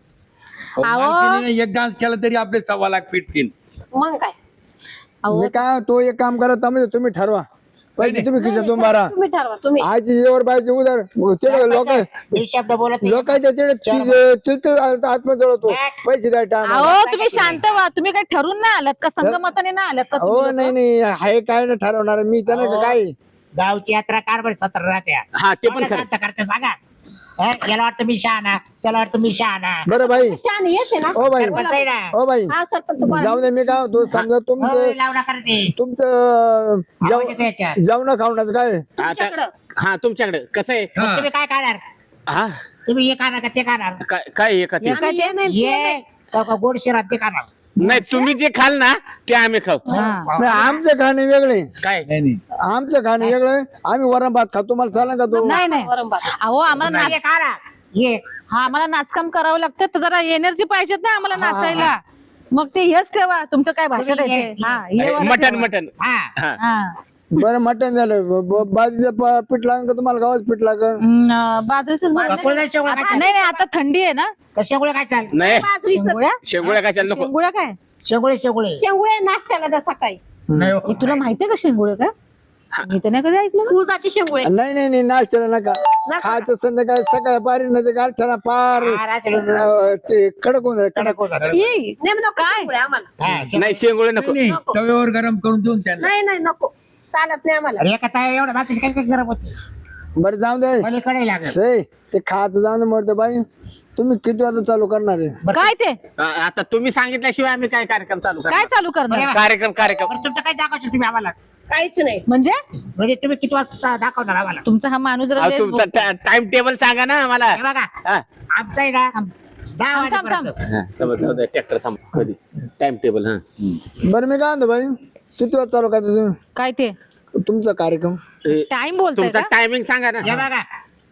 [SPEAKER 1] अहो,
[SPEAKER 4] अहो.
[SPEAKER 1] मालकीणीने एक डान्स केला तरी आपले सव्वा लाख पिटतील.
[SPEAKER 6] मग काय
[SPEAKER 4] अहो
[SPEAKER 2] मी काय तो एक काम करा तुम्ही तुम्ही ठरवा पैसे तुम्ही खिशातून मारा
[SPEAKER 6] तुम्ही ठरवा तुम्ही.
[SPEAKER 2] आजची जेवर बायचे उदार तिकडे लोक
[SPEAKER 3] मी शब्द बोलत नाही.
[SPEAKER 2] लोकांच्या तिकडे तिथे आत्मा जळतो पैसे द्या टाइम
[SPEAKER 4] अहो तुम्ही शांत व्हा. तुम्ही काय ठरून नाही आलात का संगमताने नाही आलात का
[SPEAKER 2] हो
[SPEAKER 4] तुम्ही
[SPEAKER 2] नाही
[SPEAKER 4] लोकं?
[SPEAKER 2] नाही हाय काय नाही ठरवणार मी त्याला
[SPEAKER 3] हो.
[SPEAKER 2] काय
[SPEAKER 3] गावची यात्रा कारभार सत्र राहत्या
[SPEAKER 5] हा ते पण
[SPEAKER 3] मला
[SPEAKER 5] खरं
[SPEAKER 3] शांत करते सांगा हा, याला वाटतं मी शहाणा त्याला वाटतं मी शहाणा
[SPEAKER 2] बरं भाई
[SPEAKER 6] शान येते ना.
[SPEAKER 2] ओ बाई
[SPEAKER 3] सरपंच आहे ना
[SPEAKER 2] ओ बाई
[SPEAKER 6] हा सरपंच बोला.
[SPEAKER 2] जाऊ दे मी काय होतो समजा तुमचं
[SPEAKER 3] होय, लावणा करते
[SPEAKER 2] तुमचं
[SPEAKER 3] आवाज
[SPEAKER 2] जेव
[SPEAKER 3] येतो याच्यात.
[SPEAKER 2] जेवण खावण्याचं काय
[SPEAKER 5] आता
[SPEAKER 6] तुमच्याकडं.
[SPEAKER 5] हा तुमच्याकडे कसं आहे
[SPEAKER 1] हा.
[SPEAKER 3] तुम्ही काय खाणार
[SPEAKER 5] हा
[SPEAKER 3] तुम्ही हे खाणार का ते खाणार
[SPEAKER 5] काय काय आहे का ते
[SPEAKER 4] हे काय
[SPEAKER 6] आम्ही
[SPEAKER 4] ते?
[SPEAKER 6] हे नाही, ते
[SPEAKER 3] ये
[SPEAKER 6] नाही.
[SPEAKER 3] का- का गोड शिरात ते खाणार
[SPEAKER 5] नाही तुम्ही जे खाल ना ते आम्ही खाऊ
[SPEAKER 4] हा.
[SPEAKER 2] नाही आमचं खाणे वेगळे
[SPEAKER 5] काय
[SPEAKER 1] नाही नाही
[SPEAKER 2] आमचं खाणे वेगळं आम्ही वरण भात खातो तुम्हाला चालेल का तो
[SPEAKER 4] नाही नाही
[SPEAKER 6] वरण भात.
[SPEAKER 4] अहो आम्हाला नाच-
[SPEAKER 3] ये खाना ये
[SPEAKER 4] हा आम्हाला नाचकाम करावं लागतं तर जरा एनर्जी पाहिजेत ना आम्हाला नाचायला. मग ते हेच ठेवा तुमचं काय भाषण
[SPEAKER 3] तुम्ही
[SPEAKER 4] आहे
[SPEAKER 3] हे-
[SPEAKER 4] ते. हा, हे वाला
[SPEAKER 5] मटन
[SPEAKER 4] ठेवा.
[SPEAKER 5] मटन
[SPEAKER 3] हा
[SPEAKER 5] हा
[SPEAKER 4] हा.
[SPEAKER 2] बरं मटण झालं ब- ब- बाजरीचं प- पीठ लागेल का तुम्हाला गव्हाचं पीठ लागेल
[SPEAKER 4] हम्म, बाजरीचंच
[SPEAKER 3] का
[SPEAKER 4] भात.
[SPEAKER 3] कोळ्या शेवळ्या
[SPEAKER 4] आता-
[SPEAKER 3] खायच्या?
[SPEAKER 4] नाही नाही आता थंडी आहे ना.
[SPEAKER 3] का शेंगुळे काय चाल
[SPEAKER 5] नाही
[SPEAKER 6] बाजरीचं
[SPEAKER 4] शेंगुळ्या
[SPEAKER 5] शेंगोळ्या कशाला नको
[SPEAKER 4] शेंगुळ्या काय
[SPEAKER 3] शेंगुळे शेंगुळे
[SPEAKER 6] शेंगुळे नाश्त्याला द्या सकाळी.
[SPEAKER 3] नाही हो.
[SPEAKER 4] हे तुला माहितीये का शेंगुळे काय मी तर नाही कधी ऐकलं.
[SPEAKER 6] उडदाचे शेंगुळे.
[SPEAKER 2] नाही नाही नाही नाश्त्याला नका खायचं संध्याकाळी सकाळी पारी नाही गाठ्याला पार
[SPEAKER 3] हा, रात्री.
[SPEAKER 2] अं, ते कडक होऊन जाईल कडक
[SPEAKER 3] कडक होत जातं.
[SPEAKER 4] ई,
[SPEAKER 6] नाही नको
[SPEAKER 4] काय?
[SPEAKER 6] शेंगुळे आम्हाला.
[SPEAKER 3] हा, शेंगुळे.
[SPEAKER 5] नाही शेंगोळे नको
[SPEAKER 1] नाही, नाही, तव्यावर गरम करून देऊन त्यांना
[SPEAKER 6] नाही नाही नको चालत नाही आम्हाला.
[SPEAKER 3] अरे एका ताई एवढ्या भाताची काय काय गरम होती
[SPEAKER 2] बरं जाऊ दे
[SPEAKER 3] पलीकडे लागेल
[SPEAKER 2] से ते खायचं जाऊ दे मरते बाई तुम्ही किती वाजता चालू करणार आहे
[SPEAKER 4] काय ते
[SPEAKER 5] आ- आता तुम्ही सांगितल्याशिवाय आम्ही काय कार्यक्रम चालू
[SPEAKER 4] काय
[SPEAKER 5] करणार?
[SPEAKER 4] चालू करणार
[SPEAKER 5] कार्यक्रम कार्यक्रम
[SPEAKER 3] बरं, तुमचं काय दाखवशील तुम्ही आम्हाला
[SPEAKER 6] काहीच नाही.
[SPEAKER 4] म्हणजे
[SPEAKER 3] म्हणजे तुम्ही किती वाजता दाखवणार आम्हाला
[SPEAKER 4] तुमचा हा माणूस जरा
[SPEAKER 5] अहो,
[SPEAKER 4] लयच
[SPEAKER 5] तुमचा
[SPEAKER 4] बोलतो.
[SPEAKER 5] टाइम टेबल सांगा ना आम्हाला
[SPEAKER 3] हे बघा
[SPEAKER 5] हा.
[SPEAKER 3] आमचं आहे ना दहा
[SPEAKER 4] थांब, थांब,
[SPEAKER 3] वाजेपर्यंत
[SPEAKER 5] हा, समज, जाऊ दे, ट्रॅक्टर थांब कधी टाइम टेबल हा
[SPEAKER 2] बरं मी काय म्हणतो बाई किती वाजता चालू करता तुम्ही
[SPEAKER 4] काय ते
[SPEAKER 2] तुमचा कार्यक्रम
[SPEAKER 5] ए,
[SPEAKER 4] टाइम बोलताय
[SPEAKER 5] तुमचा
[SPEAKER 4] का
[SPEAKER 5] टायमिंग सांगा
[SPEAKER 3] हे
[SPEAKER 5] ना
[SPEAKER 3] बघा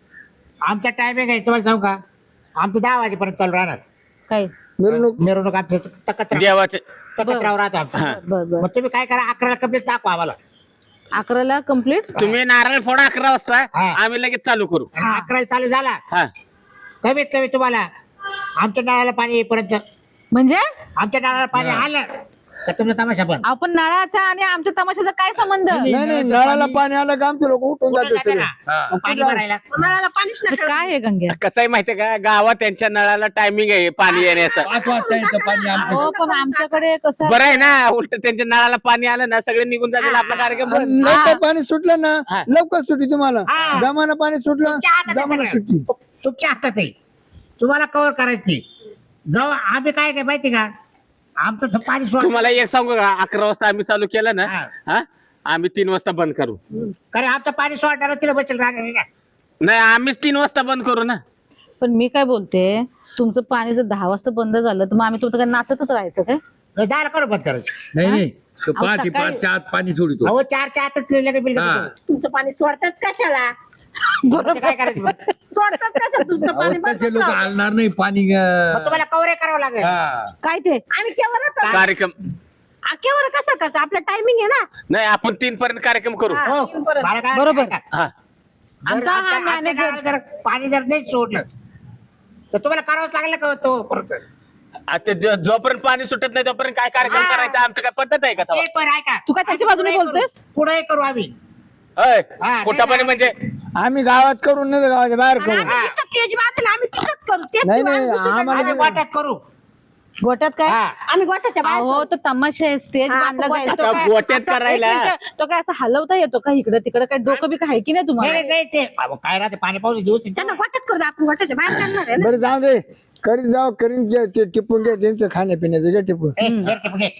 [SPEAKER 3] आमचा टायमिंग आहे तुम्हाला सांगू का आमचं दहा वाजेपर्यंत चालू राहणार
[SPEAKER 4] काय
[SPEAKER 2] मिरवणूक
[SPEAKER 3] मिरवणूक आमचं तकत्र
[SPEAKER 5] देवाचे
[SPEAKER 3] तकत्रावर राहतो आमचं
[SPEAKER 4] बर बर
[SPEAKER 3] मग तुम्ही काय करा अकराला कंप्लीट दाखवा आम्हाला
[SPEAKER 4] अकराला कम्प्लीट
[SPEAKER 5] तुम्ही नारळ फोडा अकरा वाजता
[SPEAKER 3] हा.
[SPEAKER 5] आम्ही लगेच चालू करू
[SPEAKER 3] आणि अकराला चालू झाला
[SPEAKER 5] हा
[SPEAKER 3] कमीत कमी तुम्हाला आमच्या नळाला पाणी येईपर्यंत
[SPEAKER 4] म्हणजे
[SPEAKER 3] आमच्या नळाला पाणी आलं का तुमचा तमाशा पण
[SPEAKER 4] आपण नळाचा आणि आमच्या तमाशाचा काय संबंध
[SPEAKER 2] नाही नाही नळाला पाणी आलं का आमचे लोक उठून जाते सगळे
[SPEAKER 1] हा.
[SPEAKER 3] पाणी भरायला
[SPEAKER 6] नळाला पाणीच
[SPEAKER 4] तर
[SPEAKER 6] नाही.
[SPEAKER 4] काय आहे गंग्या
[SPEAKER 5] कसं आहे माहितीये का गावात त्यांच्या नळाला टायमिंग आहे पाणी येण्याचं
[SPEAKER 1] पाच वाजता येतं पाणी आमचं
[SPEAKER 4] हो पण आमच्याकडे कसं
[SPEAKER 5] बरं आहे ना उलट त्यांच्या नळाला पाणी आलं ना सगळे निघून जातील आपला कार्यक्रम बंद.
[SPEAKER 2] लवकर पाणी सुटलं ना
[SPEAKER 5] हा.
[SPEAKER 2] लवकर सुटी तुम्हाला
[SPEAKER 3] हा.
[SPEAKER 2] दमानं पाणी सुटलं
[SPEAKER 3] तुमच्या हातात आहे
[SPEAKER 2] दमानं
[SPEAKER 3] सगळं.
[SPEAKER 2] सुटी
[SPEAKER 3] तुमच्या हातात आहे तुम्हाला कव्हर करायची जाऊ आम्ही काय काय माहिती का आमचं तर पाणी सोड
[SPEAKER 5] तुम्हाला एक सांगू का अकरा वाजता आम्ही चालू केलं ना
[SPEAKER 3] हा.
[SPEAKER 5] हा आम्ही तीन वाजता बंद करू
[SPEAKER 3] कारण आमचं पाणी सोडणार तिला बसेल राहणार नाही ना.
[SPEAKER 5] नाही आम्हीच तीन वाजता बंद करू ना
[SPEAKER 4] पण मी काय बोलते तुमचं पाणी जर दहा वाजता बंद झालं तर मग आम्ही तुमचं काय नाचतच राहायचं काय
[SPEAKER 3] नाही, दार करू बंद करायचं
[SPEAKER 1] नाही नाही तो
[SPEAKER 4] अहो,
[SPEAKER 1] पहाटे
[SPEAKER 4] सकाळी-
[SPEAKER 1] पाचच्या आत पाणी सोडतो
[SPEAKER 3] अहो चारच्या आतच लिहिलं बिल
[SPEAKER 1] हा.
[SPEAKER 6] तुमचं पाणी सोडतात कशाला?
[SPEAKER 3] काय करायचं मग?
[SPEAKER 6] सोडतात कशाला तुमचं पाणी बंद
[SPEAKER 1] अवस्थाचे लोक
[SPEAKER 6] करा.
[SPEAKER 1] हलणार नाही पाणी
[SPEAKER 3] मग
[SPEAKER 1] अं,
[SPEAKER 3] तुम्हाला कव्हर करावं लागेल
[SPEAKER 1] हा.
[SPEAKER 6] काय ते? आम्ही केव्हा राहतो?
[SPEAKER 5] कार्यक्रम
[SPEAKER 6] केव्हा कसं कसं आपलं टायमिंग आहे ना.
[SPEAKER 5] नाही आपण तीन पर्यंत कार्यक्रम करू
[SPEAKER 6] हा,
[SPEAKER 3] हो,
[SPEAKER 6] तीन परत.
[SPEAKER 3] मला काय-
[SPEAKER 4] बरोबर.
[SPEAKER 3] काय-
[SPEAKER 5] हा
[SPEAKER 3] जर
[SPEAKER 4] आमचा हा
[SPEAKER 3] आमच्या- आमच्या
[SPEAKER 4] manager-
[SPEAKER 3] गावाला जर पाणी जर नाही सोडलं तर तुम्हाला करावंच लागलं का तो परत
[SPEAKER 5] आता जो- जोपर्यंत पाणी सुटत नाही तोपर्यंत काय कार्यक्रम
[SPEAKER 3] हा.
[SPEAKER 5] करायचा आमचं काय पद्धत आहे का तेव्हा?
[SPEAKER 3] एक पण ऐका
[SPEAKER 4] तू काय त्यांच्या बाजूने बोलतोयस?
[SPEAKER 3] पुढे करू आम्ही
[SPEAKER 5] होय
[SPEAKER 3] हा,
[SPEAKER 5] कुठं पण म्हणजे
[SPEAKER 2] आम्ही गावात करून नाही तर गावाच्या बाहेर
[SPEAKER 6] आणि
[SPEAKER 2] करू
[SPEAKER 6] आम्ही जिथं तेज बांधेल आम्ही तिथंच करू. तेच
[SPEAKER 2] नाही,
[SPEAKER 6] शिवाय
[SPEAKER 2] नाही,
[SPEAKER 6] दुसरीकडे
[SPEAKER 2] आम्हाला
[SPEAKER 3] आम्ही
[SPEAKER 2] नाही.
[SPEAKER 3] वाट्यात करू
[SPEAKER 4] गोट्यात काय
[SPEAKER 3] हा.
[SPEAKER 6] आम्ही गोठ्याच्या बाहेर
[SPEAKER 4] हो
[SPEAKER 6] करू.
[SPEAKER 4] तो तमाशा आहे स्टेज
[SPEAKER 6] हा,
[SPEAKER 4] बांधला
[SPEAKER 6] तो
[SPEAKER 4] जाईल तो
[SPEAKER 5] गोट्यात-
[SPEAKER 4] काय
[SPEAKER 5] गोट्यात
[SPEAKER 4] असं- एक
[SPEAKER 5] करायला.
[SPEAKER 4] मिनिटं, तो काय असं हलवता येतो का इकडे तिकडे काय डोकं बी आहे की नाही
[SPEAKER 3] नाही
[SPEAKER 4] तुम्हाला
[SPEAKER 3] नाही, नाही ते अहो, काय राहते पाणी पाऊस दिवस
[SPEAKER 6] त्यांना गोठ्यात करू दे, आपण गोठ्याच्या बाहेर करणार आहे ना.
[SPEAKER 2] बरं जाऊ दे करीत जाऊ करीन जे- ते टिपून घे त्यांचं खाण्यापिण्याचं घे टिपून
[SPEAKER 3] ए, घे, घे, घे.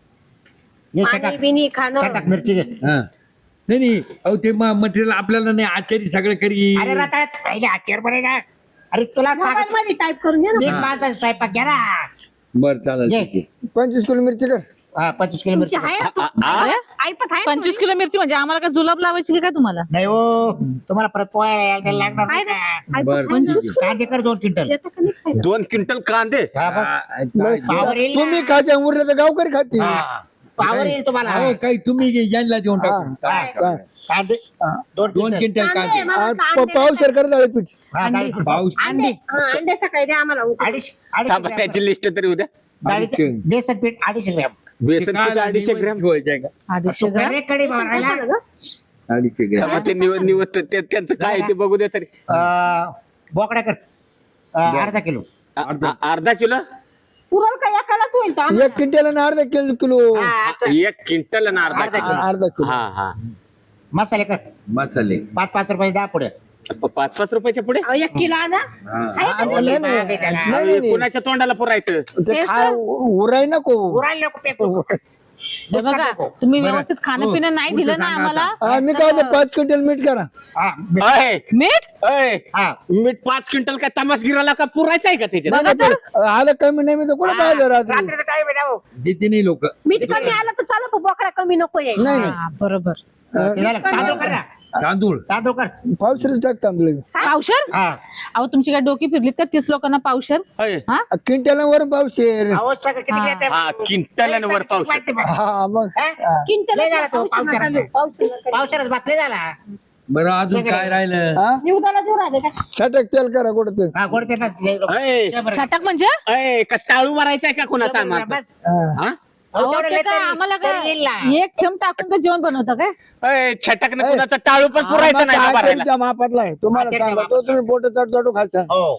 [SPEAKER 3] घे,
[SPEAKER 6] पाणी
[SPEAKER 3] चटाक-
[SPEAKER 6] बिनी खाणं.
[SPEAKER 3] चटाक मिरची घे
[SPEAKER 1] हा. नाही नाही अहो ते मटेरियल आपल्याला नाही आचारी सगळं करी
[SPEAKER 3] अरे रताळ्यात पहिले आचार बरे ना अरे तुला
[SPEAKER 6] मोबाईल मध्ये टाईप करून घे ना.
[SPEAKER 3] तीस माणसाचा स्वयंपाक घ्या ना
[SPEAKER 1] बर चालेल
[SPEAKER 3] घे.
[SPEAKER 1] ठीक आहे.
[SPEAKER 2] पंचवीस किलो मिरची कर
[SPEAKER 3] हा, पंचवीस किलो
[SPEAKER 6] तुमची
[SPEAKER 3] मिरची
[SPEAKER 6] आहे ना तू?
[SPEAKER 5] आ- आ-
[SPEAKER 6] ऐपत आहे
[SPEAKER 4] पंचवीस किलो मिरची म्हणजे आम्हाला काय जुलाब लावायची की काय तुम्हाला
[SPEAKER 3] नाही हो तुम्हाला परत पोहायला यायला त्याला लागणार नाही का?
[SPEAKER 1] बर
[SPEAKER 6] पंचवीस
[SPEAKER 3] कांदे कर दोन क्विंटल
[SPEAKER 6] येतं का नाही खायला?
[SPEAKER 5] दोन क्विंटल कांदे
[SPEAKER 3] हा, बघ.
[SPEAKER 1] हा,
[SPEAKER 2] नाही,
[SPEAKER 1] काय-
[SPEAKER 3] पावर येईल ना.
[SPEAKER 2] तुम्ही खायच्या उरलं तर गावकरी खातील
[SPEAKER 3] हा. पावर येईल तुम्हाला
[SPEAKER 1] अहो, काही तुम्ही यांना देऊन टाकून
[SPEAKER 2] हा.
[SPEAKER 1] काय-
[SPEAKER 2] काय?
[SPEAKER 3] कांदे
[SPEAKER 2] हा.
[SPEAKER 3] दोन
[SPEAKER 1] दोन
[SPEAKER 3] क्विंटल
[SPEAKER 1] क्विंटल
[SPEAKER 6] कांदे,
[SPEAKER 1] कांदे
[SPEAKER 6] मला
[SPEAKER 2] आणि
[SPEAKER 6] कांदे
[SPEAKER 2] प- पाऊस सर कर पीठ
[SPEAKER 3] हा, डाळी-
[SPEAKER 1] पाऊस
[SPEAKER 6] अंडे हा, अंडे सकाळी द्या आम्हाला उकडून.
[SPEAKER 3] अडीचशे अडीचशे
[SPEAKER 5] थांबा,
[SPEAKER 3] ग्रॅम.
[SPEAKER 5] त्याची लिस्ट तरी उद्या
[SPEAKER 3] डाळीचं- बेसन पीठ अडीचशे ग्रॅम
[SPEAKER 5] बेसन पीठ अडीचशे ग्रॅम
[SPEAKER 1] ठेवायचे का
[SPEAKER 4] अडीचशे ग्राम
[SPEAKER 3] सुपारी कढी बनवायला
[SPEAKER 6] कशाला गं?
[SPEAKER 1] अडीचशे ग्रॅम
[SPEAKER 5] थांबा, ते निवड निवड ते- त्यांचं काय आहे ते बघू दे तरी
[SPEAKER 3] अं, बोकड्या कर अं, अर्धा किलो
[SPEAKER 5] अ- अ- अर्धा किलो
[SPEAKER 6] पुरण का एकालाच होईल तो आम्हाला?
[SPEAKER 2] एक क्विंटल आणि अर्धा किलो किलो
[SPEAKER 3] हा, असं.
[SPEAKER 5] एक क्विंटल आणि अर्धा
[SPEAKER 3] अर्धा
[SPEAKER 5] किलो
[SPEAKER 3] किलो.
[SPEAKER 2] अर्धा किलो
[SPEAKER 5] हा हा
[SPEAKER 3] मसाले कर
[SPEAKER 1] मसाले
[SPEAKER 3] पाच पाच रुपये दहा पुढे
[SPEAKER 5] प- पाच पाच रुपयाच्या पुढे
[SPEAKER 6] अहो, एक किलो आणा.
[SPEAKER 1] हा.
[SPEAKER 6] आहे का?
[SPEAKER 2] नाही, नाही, नाही, नाही, नाही.
[SPEAKER 5] कुणाच्या तोंडाला पुरायचं
[SPEAKER 2] ते खा उराय नको
[SPEAKER 3] उरायला नको फेकू.
[SPEAKER 4] हे बघा तुम्ही व्यवस्थित खाणं पिणं नाही दिलं ना आम्हाला
[SPEAKER 2] हा, मी काय म्हणतो, पाच क्विंटल मीठ करा
[SPEAKER 3] हा,
[SPEAKER 5] अय,
[SPEAKER 4] मीठ
[SPEAKER 5] अय,
[SPEAKER 3] हा.
[SPEAKER 5] मीठ पाच क्विंटल काय तमासगिराला का पुरायचं आहे का त्याच्यात
[SPEAKER 2] नाही, नाही, पण आलं कमी नाही मी तर कुठं पाहिलं रात्री
[SPEAKER 3] रात्रीचं काय वेळ आहे, हो?
[SPEAKER 1] देते नाही लोक
[SPEAKER 6] मीठ कमी आलं तर चालू बोकडा कमी नको येईल.
[SPEAKER 2] नाही नाही
[SPEAKER 4] हा, बरोबर
[SPEAKER 3] ते झालं. तांदूळ कर ना
[SPEAKER 1] तांदूळ
[SPEAKER 3] तांदूळ कर
[SPEAKER 2] पावसाळीच टाक तांदूळ
[SPEAKER 4] पावशर
[SPEAKER 3] हा
[SPEAKER 4] अहो तुमची काय डोकी फिरलीत का तीस लोकांना पावशर
[SPEAKER 5] अय,
[SPEAKER 4] हा
[SPEAKER 2] क्विंटल वर पावशेर
[SPEAKER 3] अहो, सगळं किती
[SPEAKER 4] हा.
[SPEAKER 3] घेते?
[SPEAKER 5] हा, क्विंटल आणि वर पावशेर.
[SPEAKER 3] माहिती बघ.
[SPEAKER 2] हा मग
[SPEAKER 3] हा?
[SPEAKER 2] हा.
[SPEAKER 6] किंतल
[SPEAKER 3] लय झाला तो
[SPEAKER 6] पाऊस नका
[SPEAKER 3] पावसाळ्यात.
[SPEAKER 6] घेऊ, पाऊस नका घेऊ.
[SPEAKER 3] पावसाळ्यात बातले झाला
[SPEAKER 1] बरं अजून काय राहिलं
[SPEAKER 2] हा
[SPEAKER 6] निवदाला देऊ राहिले का?
[SPEAKER 2] छटक तेल करा कुठं ते
[SPEAKER 3] हा गोड ते बस लय लोक.
[SPEAKER 5] अय,
[SPEAKER 3] शंभर.
[SPEAKER 4] छटाक म्हणजे
[SPEAKER 5] अय, का टाळू मारायचा आहे का कोणाचा
[SPEAKER 3] शंभर
[SPEAKER 5] आम्हाला
[SPEAKER 3] बस.
[SPEAKER 2] हा.
[SPEAKER 5] हा?
[SPEAKER 3] अहो,
[SPEAKER 4] अहो,
[SPEAKER 3] तेवढं
[SPEAKER 4] ते
[SPEAKER 3] लय
[SPEAKER 4] काय
[SPEAKER 3] तरी-
[SPEAKER 4] आम्हाला
[SPEAKER 3] तरी येईल ना.
[SPEAKER 4] काय एक थेंब टाकून का जेवण बनवतं काय
[SPEAKER 5] अय, छटकनं
[SPEAKER 2] अय.
[SPEAKER 5] कुणाचा टाळू पण पुरायचं नाही का भरायला
[SPEAKER 2] आचार्याच्या मापातला आहे तुम्हाला
[SPEAKER 3] आचार्याच्या
[SPEAKER 2] सांगतो तुम्ही बोट चढ चढू खायचा
[SPEAKER 3] हो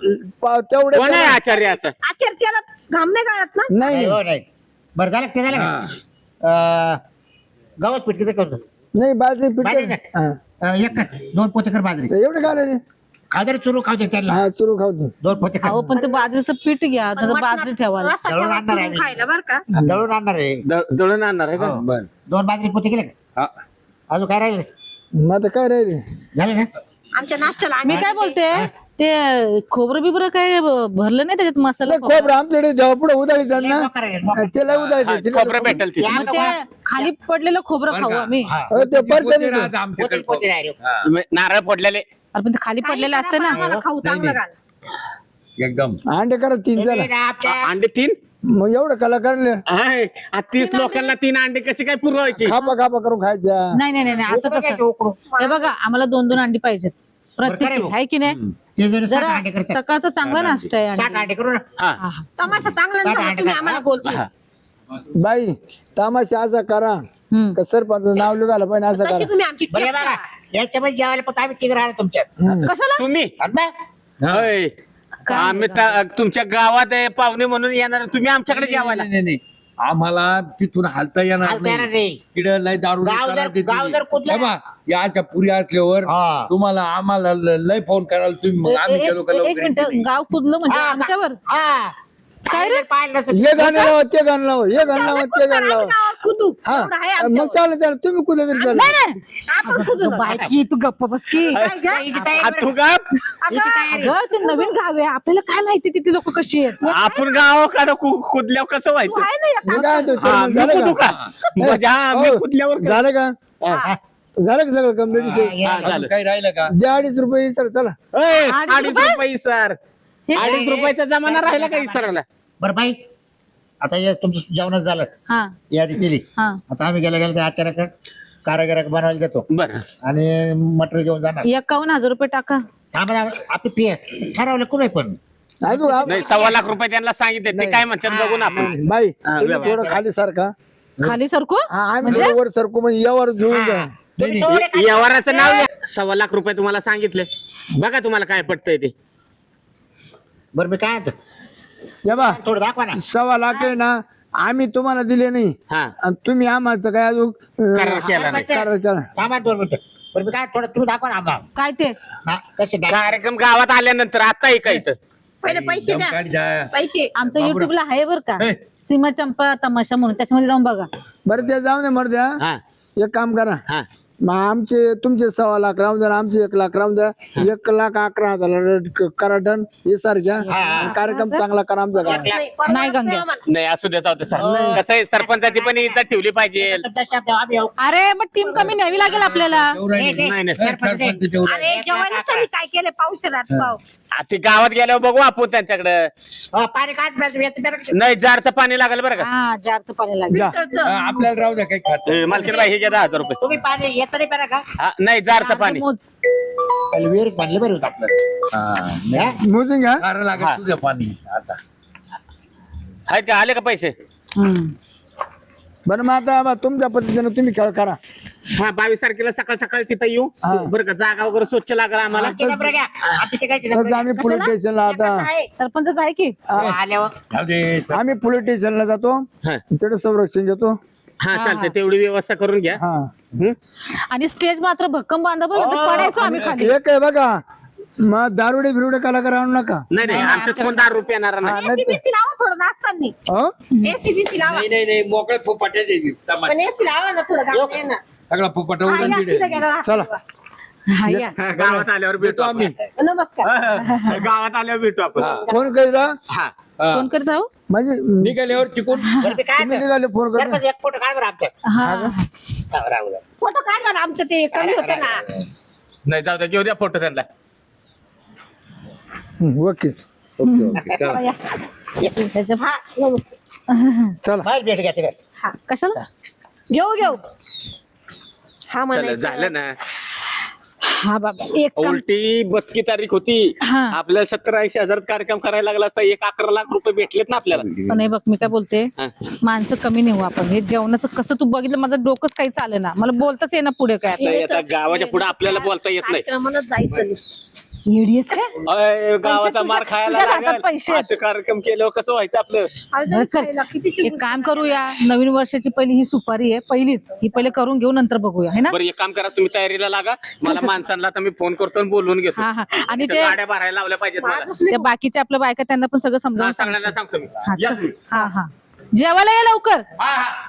[SPEAKER 2] तेवढे
[SPEAKER 5] कोण आहे आचार्य असं
[SPEAKER 6] आचार त्याला घाम नाही गाळत ना.
[SPEAKER 2] नाही
[SPEAKER 3] नाही,
[SPEAKER 2] नाही
[SPEAKER 3] हो, नाही. बरं झालं ते झालं
[SPEAKER 1] हा.
[SPEAKER 3] का अं, गव्हाच पीठ किती करतो
[SPEAKER 2] नाही बाजरी पीठ
[SPEAKER 3] बाजरी
[SPEAKER 2] कर.
[SPEAKER 3] का?
[SPEAKER 2] हा.
[SPEAKER 3] अं, एक कर दोन पोते कर बाजरी
[SPEAKER 2] एवढं काय रे
[SPEAKER 3] खाऊ दे रे, चुरू खाऊ दे त्यांना
[SPEAKER 2] हा चुरू खाऊ दे
[SPEAKER 3] दोन पोते खा
[SPEAKER 4] अहो पण ते बाजरीचं पीठ घ्या
[SPEAKER 6] पण
[SPEAKER 4] त्याचं बाजरी
[SPEAKER 6] मटणात
[SPEAKER 4] ठेवायला
[SPEAKER 6] रस्सा
[SPEAKER 3] दळून
[SPEAKER 6] ठेवा
[SPEAKER 3] आणणार आहे
[SPEAKER 6] चुरून
[SPEAKER 3] मी.
[SPEAKER 6] खायला बरं का.
[SPEAKER 3] दळून आणणार आहे
[SPEAKER 5] द- दळून आणणार आहे का
[SPEAKER 3] हो.
[SPEAKER 1] बर
[SPEAKER 3] दोन बाजरी पोते केले का
[SPEAKER 1] हा.
[SPEAKER 3] अजून काय राहिले
[SPEAKER 2] मग आता काय राहिले
[SPEAKER 3] झाले ना
[SPEAKER 6] आमच्या नाश्त्याला
[SPEAKER 4] मी
[SPEAKER 6] आम्ही
[SPEAKER 4] काय बोलते ते खोबरं बिबरं काय ब- भरलं नाही त्याच्यात मसाला
[SPEAKER 2] नाही खोबरं आमच्याकडे जेव्हा पुढे उदाळी
[SPEAKER 3] लय
[SPEAKER 2] ना
[SPEAKER 3] मोकार आहे, मोकार.
[SPEAKER 2] त्याला उदाळी
[SPEAKER 5] हा, खोबरं भेटेल तिथे
[SPEAKER 4] मग ते खाली पडलेलं खोबरं
[SPEAKER 1] बरं
[SPEAKER 4] खाऊ
[SPEAKER 1] का?
[SPEAKER 4] आम्ही
[SPEAKER 3] हा.
[SPEAKER 2] ते परसाद
[SPEAKER 1] पोते
[SPEAKER 2] येतो.
[SPEAKER 1] राहतं आमच्याकडे.
[SPEAKER 3] पोते पोते राहिले.
[SPEAKER 1] हा,
[SPEAKER 5] नारळ फोडलेले
[SPEAKER 4] अरे पण ते खाली पडलेलं असतं ना
[SPEAKER 6] आम्हाला खाऊ चांगलं
[SPEAKER 1] नाही.
[SPEAKER 6] घाल.
[SPEAKER 1] एकदम
[SPEAKER 2] अंडे करा तीन
[SPEAKER 3] ते
[SPEAKER 2] जरा
[SPEAKER 3] ना आपल्या
[SPEAKER 5] अंडे तीन
[SPEAKER 2] मग एवढं कलाकार
[SPEAKER 5] आहे आ, तीस लोकांना तीन अंडे कसे काय पुरवायची
[SPEAKER 2] खापा खापा करून खायच्या
[SPEAKER 4] नाही नाही नाही नाही, असं
[SPEAKER 3] उकडं
[SPEAKER 4] कसं
[SPEAKER 3] घ्यायचं, उकडं.
[SPEAKER 4] हे बघा आम्हाला दोन दोन अंडी पाहिजेत
[SPEAKER 3] बरं,
[SPEAKER 4] प्रत्येकी
[SPEAKER 3] करेल.
[SPEAKER 4] आहे की नाही
[SPEAKER 3] ते जरी साठ
[SPEAKER 4] जरा
[SPEAKER 3] अंडे करतात.
[SPEAKER 4] सकाळचा चांगला नाश्ता आहे
[SPEAKER 3] साठ
[SPEAKER 4] अंडी.
[SPEAKER 3] अंडे करू ना
[SPEAKER 5] हा
[SPEAKER 4] हा, हा.
[SPEAKER 6] तमाशा चांगला
[SPEAKER 3] साठ
[SPEAKER 6] नाही
[SPEAKER 3] अंडे
[SPEAKER 6] तुम्ही
[SPEAKER 3] खा.
[SPEAKER 6] आम्हाला बोलतो
[SPEAKER 5] हा.
[SPEAKER 2] बाई तमाशा असा करा
[SPEAKER 4] हम्म.
[SPEAKER 2] का सरपंच नाव लिहायला पाहिजे असं
[SPEAKER 6] तशी
[SPEAKER 2] करा
[SPEAKER 6] तुम्ही आमची
[SPEAKER 3] बरं हे
[SPEAKER 6] टेप
[SPEAKER 3] बघा
[SPEAKER 6] करा.
[SPEAKER 3] याच्यामध्ये जेवायला पण आम्ही तिघ राहणार तुमच्यात
[SPEAKER 2] हम्म.
[SPEAKER 4] कशाला
[SPEAKER 5] तुम्ही
[SPEAKER 3] आणि बघ,
[SPEAKER 1] हा.
[SPEAKER 5] होय.
[SPEAKER 4] काय
[SPEAKER 5] आम्ही ता- तुमच्या गावात आहे, पाहुणे म्हणून येणार तुम्ही आमच्याकडे जेवायला
[SPEAKER 1] नाही, नाही, नाही. आम्हाला तिथून हालता येणार
[SPEAKER 3] हालता येणार
[SPEAKER 1] नाही
[SPEAKER 3] नाही.
[SPEAKER 1] तिकडं लय दारू
[SPEAKER 3] गाव
[SPEAKER 1] करायला
[SPEAKER 3] जर-
[SPEAKER 1] देते.
[SPEAKER 3] गाव जर कुदलं
[SPEAKER 1] हे बा, याच्या पुरी असल्यावर
[SPEAKER 3] हा.
[SPEAKER 1] तुम्हाला आम्हाला ल- लय फोन करायला तुम्ही मग
[SPEAKER 4] ए-
[SPEAKER 1] आम्ही
[SPEAKER 4] ए-
[SPEAKER 1] गेलो का
[SPEAKER 4] एक
[SPEAKER 1] लवकर
[SPEAKER 4] एक मिनिट
[SPEAKER 1] येते.
[SPEAKER 4] गाव कुदलं म्हणजे
[SPEAKER 3] हा,
[SPEAKER 4] आमच्यावर
[SPEAKER 3] हा
[SPEAKER 4] काय रे?
[SPEAKER 3] पाहिलं नसेल.
[SPEAKER 2] हे गाणं लावा ते गाणं लावा हे गाणं लावा ते गाणं लावा
[SPEAKER 6] आम्ही नावावर कुदू.
[SPEAKER 2] हा
[SPEAKER 6] एवढं आहे
[SPEAKER 2] मग
[SPEAKER 6] आमच्यावर.
[SPEAKER 2] चालेल चालेल तुम्ही कुठे तरी चालेल
[SPEAKER 4] नाही नाही
[SPEAKER 6] आपण कुदू ना.
[SPEAKER 4] बायकी तू गप्प बस की
[SPEAKER 6] काय गं?
[SPEAKER 3] हिची तयारी
[SPEAKER 5] आ, तू
[SPEAKER 3] बरं.
[SPEAKER 5] का
[SPEAKER 3] हिची तयारी.
[SPEAKER 4] अगं ते नवीन गाव आहे आपल्याला काय माहिती तिथे लोक कशी आहेत
[SPEAKER 5] आपण गावाकडे कुदल्यावर कसं
[SPEAKER 6] तू
[SPEAKER 5] व्हायचं
[SPEAKER 6] आहे ना एक
[SPEAKER 2] मी काय म्हणतो,
[SPEAKER 5] हा,
[SPEAKER 2] चेअरमन,
[SPEAKER 5] मी
[SPEAKER 2] झालं
[SPEAKER 5] कुदू
[SPEAKER 2] का
[SPEAKER 5] का म्हणजे हा मी
[SPEAKER 2] हो,
[SPEAKER 5] कुदल्यावर कसं-
[SPEAKER 2] झालं का
[SPEAKER 3] हा.
[SPEAKER 2] झालं का सगळं कम्प्लीट
[SPEAKER 3] हा, ये.
[SPEAKER 5] हा,
[SPEAKER 1] अजून
[SPEAKER 5] झालं.
[SPEAKER 1] काही राहिलं का
[SPEAKER 2] द्या अडीच रुपये सर चला
[SPEAKER 5] ओय,
[SPEAKER 4] अडीच
[SPEAKER 5] अडीच
[SPEAKER 4] रुपये?
[SPEAKER 5] रुपये सर
[SPEAKER 4] हे
[SPEAKER 5] अडीच रुपयाचा जमाना राहिला का इसराला
[SPEAKER 3] बरं बाई आता हे तुमचं जेवणच झालं,
[SPEAKER 4] हा
[SPEAKER 3] यादी केली.
[SPEAKER 4] हा
[SPEAKER 3] आता आम्ही गेल्या गेल्या ते अचानक कारागिराक बनवायला देतो
[SPEAKER 5] बरं
[SPEAKER 3] आणि मटेरियल घेऊन जाणार.
[SPEAKER 4] एकावन्न हजार रुपये टाका.
[SPEAKER 3] थांबा आपली फी ठरवलं कुठे पण
[SPEAKER 2] नाही तू आप-
[SPEAKER 5] नाही सव्वा लाख रुपये त्यांना सांगितले ते काय म्हणतात बघू ना आपण.
[SPEAKER 2] बाई
[SPEAKER 5] हा,
[SPEAKER 2] तुम्ही
[SPEAKER 5] व्यवस्थित.
[SPEAKER 2] थोडं खाली सारखा
[SPEAKER 4] खाली सरको
[SPEAKER 2] आम्ही थोडं वर सरकू म्हणजे यावर जुळून जा.
[SPEAKER 3] तुम्ही थोडे खाली-
[SPEAKER 5] व्यवहाराचं नाव घ्या. सव्वा लाख रुपये तुम्हाला सांगितले, बघा तुम्हाला काय पटतंय ते.
[SPEAKER 3] बरं मी काय म्हणतो,
[SPEAKER 2] या बा
[SPEAKER 3] थोडं दाखवा ना.
[SPEAKER 2] सव्वा लाख आहे ना आम्ही तुम्हाला दिले नाही
[SPEAKER 5] हा
[SPEAKER 2] आणि तुम्ही आम्हाला काय अजून अं,
[SPEAKER 5] करार केला नाही.
[SPEAKER 2] करार केला.
[SPEAKER 3] थांबा दोन मिनिटं. बरं मी काय थोडं तुम्ही दाखवा ना आम्हाला.
[SPEAKER 4] काय ते
[SPEAKER 3] हा, कसे दाखवा.
[SPEAKER 5] कार्यक्रम गावात आल्यानंतर आता आहे का इथं?
[SPEAKER 6] पहिले पैसे द्या
[SPEAKER 1] काढ जा.
[SPEAKER 6] पैसे.
[SPEAKER 4] आमचं
[SPEAKER 1] बाबूराव.
[SPEAKER 4] युट्यूबला आहे बरं का,
[SPEAKER 1] हे.
[SPEAKER 4] सीमा चंपा तमाशा म्हणून, त्याच्यामध्ये जाऊन बघा.
[SPEAKER 2] बरं ते जाऊ दे मर द्या
[SPEAKER 5] हा
[SPEAKER 2] एक काम करा
[SPEAKER 5] हा
[SPEAKER 2] मग आमचे तुमचे सव्वा लाख राहून द्या आमचे एक लाख राहून द्या एक लाख अकरा हजार करा डन हे सारख्या आणि कार्यक्रम चांगला करा आमचा का
[SPEAKER 6] नाही, परवडत
[SPEAKER 4] नाही गंग्या.
[SPEAKER 6] नाही आम्हाला.
[SPEAKER 5] नाही असू द्या जाऊ दे सर. कसं आहे सरपंचाची पण इज्जत ठेवली पाहिजे.
[SPEAKER 3] तुमच्या शब्दावर आम्ही येऊ.
[SPEAKER 4] अरे मग टीम कमी न्यावी लागेल आपल्याला.
[SPEAKER 1] तेवढं
[SPEAKER 3] हे,
[SPEAKER 1] नाही.
[SPEAKER 3] हे,
[SPEAKER 5] नाही, नाही.
[SPEAKER 3] सरपंच आहे.
[SPEAKER 1] सरपंच तेवढं.
[SPEAKER 6] अरे जेवणासाठी काय केलं पावसाळ्यात पाव.
[SPEAKER 5] आ, ते गावात गेल्यावर बघू आपण त्यांच्याकडे.
[SPEAKER 3] हो, पाणी काय प्यायचं? याचं प्यायचं.
[SPEAKER 5] नाही जारचं पाणी लागेल बरं का.
[SPEAKER 4] हा जारचं पाणी लागेल.
[SPEAKER 2] जा.
[SPEAKER 1] हा, आपल्याला राहू द्या काही खात
[SPEAKER 5] ए, मालकीनबाई हे घ्या दहा हजार रुपये.
[SPEAKER 3] तुम्ही पाणी येतं नाही प्यायला का?
[SPEAKER 5] हा, नाही जारचं पाणी.
[SPEAKER 4] मोज.
[SPEAKER 3] पहिले विहिरीत बांधलं बरं होतं आपलं. हा?
[SPEAKER 2] मोजून घ्या
[SPEAKER 1] कारण
[SPEAKER 5] हा.
[SPEAKER 1] लागेल तुझं पाणी आता.
[SPEAKER 5] आहेत का आले का पैसे?
[SPEAKER 4] हम्म.
[SPEAKER 2] बरं मग आता बा, तुमच्या पद्धतीने तुम्ही खेळ करा
[SPEAKER 5] हा बावीस तारखेला सकाळ सकाळ तिथं येऊ
[SPEAKER 2] हा.
[SPEAKER 5] बरं का. जागा वगैरे स्वच्छ लागला आम्हाला.
[SPEAKER 3] आमचे नंबर घ्या. आमचे काय नंबर
[SPEAKER 2] तसं
[SPEAKER 3] घ्या.
[SPEAKER 2] आम्ही पोलीस स्टेशनला आता
[SPEAKER 6] आहे.
[SPEAKER 4] सरपंच आहे की.
[SPEAKER 3] हो, आल्यावर
[SPEAKER 1] जाऊ दे.
[SPEAKER 2] आम्ही पोलीस स्टेशनला जातो
[SPEAKER 5] हा
[SPEAKER 2] तिकडे संरक्षण घेतो
[SPEAKER 5] हा चालतंय तेवढी व्यवस्था करून घ्या.
[SPEAKER 2] हा
[SPEAKER 5] हं?
[SPEAKER 4] आणि स्टेज मात्र भक्कम बांधा बरं, तर पडायचो आम्ही खाली.
[SPEAKER 2] एक आहे बघा मग दारुडे बिरुडे कलाकार आणू नका
[SPEAKER 5] नाही नाही आमच्यात कोण दारू रुपये येणार नाही.
[SPEAKER 2] हा, नाही तर-
[SPEAKER 6] एसीबीसी लावा थोडं नाचताना.
[SPEAKER 2] हो?
[SPEAKER 6] एसीबीसी लावा.
[SPEAKER 1] नाही नाही नाही मोकळे फुपाटे देवी
[SPEAKER 6] पण एसी लावा ना थोडं गावात ये ना.
[SPEAKER 1] सगळा फुपाट
[SPEAKER 6] हा,
[SPEAKER 1] उडून
[SPEAKER 6] या,
[SPEAKER 1] दिले.
[SPEAKER 6] तिथं गेला राहतो.
[SPEAKER 2] चला
[SPEAKER 4] हा, या.
[SPEAKER 5] हा, गावात आल्यावर भेटू
[SPEAKER 1] भेटू आम्ही.
[SPEAKER 5] आम्ही.
[SPEAKER 6] नमस्कार.
[SPEAKER 5] गावात आल्यावर भेटू आपण.
[SPEAKER 2] फोन करा
[SPEAKER 5] हा
[SPEAKER 1] हा.
[SPEAKER 4] फोन करत आहो.
[SPEAKER 2] म्हणजे
[SPEAKER 1] निघाल्यावर चिकून
[SPEAKER 3] बरं मी काय
[SPEAKER 2] तुम्ही
[SPEAKER 3] म्हणतो,
[SPEAKER 2] निघाले फोन करा
[SPEAKER 3] सरपंच एक फोटो काढ बरं आमच्या.
[SPEAKER 4] हा
[SPEAKER 3] हा, राहू द्या.
[SPEAKER 6] फोटो काढला ना आमचं ते कमी होतं ना.
[SPEAKER 5] नाही जाऊ द्या घेऊ द्या फोटो त्यांना.
[SPEAKER 2] हं, ओके
[SPEAKER 1] ओके ओके चला.
[SPEAKER 6] या.
[SPEAKER 4] त्याच्या-
[SPEAKER 6] हा नमस्कार.
[SPEAKER 2] चला
[SPEAKER 3] बाहेर भेट घ्या तिकडे.
[SPEAKER 6] हा
[SPEAKER 4] कशाला.
[SPEAKER 6] घेऊ घेऊ. हा
[SPEAKER 5] चला
[SPEAKER 6] म्हणायचं.
[SPEAKER 5] झालं ना.
[SPEAKER 4] हा बाबा एक काम.
[SPEAKER 5] उलटी बसकी तारीख होती.
[SPEAKER 4] हा.
[SPEAKER 5] आपल्याला सत्तर ऐंशी हजार कार्यक्रम करायला लागला असता एक अकरा लाख रुपये भेटलेत ना आपल्याला.
[SPEAKER 4] पण हे बघ मी काय बोलते,
[SPEAKER 5] हा.
[SPEAKER 4] माणसं कमी नेऊ आपण. हे जेवणाचं कसं तू बघितलं, माझं डोकंच काही चालेल ना, मला बोलताच येईना पुढे काय.
[SPEAKER 5] असं आहे, आता गावाच्या पुढे आपल्याला बोलता येत नाही.
[SPEAKER 6] कार्यक्रमालाच जायचं.
[SPEAKER 4] येडीस काय.
[SPEAKER 5] अय, गावाचा
[SPEAKER 4] तुझ्या-
[SPEAKER 5] मार खायला
[SPEAKER 4] तुझ्या हातात
[SPEAKER 5] लागेल.
[SPEAKER 4] पैसे आहेत.
[SPEAKER 5] असे कार्यक्रम केल्यावर कसं व्हायचं आपलं.
[SPEAKER 6] अरे
[SPEAKER 4] बरं, चल.
[SPEAKER 6] खायला किती
[SPEAKER 4] एक
[SPEAKER 6] चिकून
[SPEAKER 4] काम करूया, नवीन वर्षाची पहिली ही सुपारी आहे, पहिलीच ही पहिले करून घेऊ, नंतर बघूया, है ना.
[SPEAKER 5] बरं एक काम करा तुम्ही तयारीला लागा. मला माणसांना आता मी फोन करतो आणि बोलवून घेतो.
[SPEAKER 4] हा हा. आणि
[SPEAKER 5] इथं
[SPEAKER 4] ते
[SPEAKER 5] गाड्या भरायला लावल्या पाहिजेत मला.
[SPEAKER 4] त्या बाकीच्या आपल्या बायका त्यांना पण सगळं
[SPEAKER 5] हा,
[SPEAKER 4] समजावून
[SPEAKER 5] सगळ्यांना
[SPEAKER 4] सांगशील.
[SPEAKER 5] सांगतो मी.
[SPEAKER 4] हा
[SPEAKER 5] या
[SPEAKER 4] चल.
[SPEAKER 5] तुम्ही.
[SPEAKER 4] हा हा जेवायला या लवकर.
[SPEAKER 5] हा हा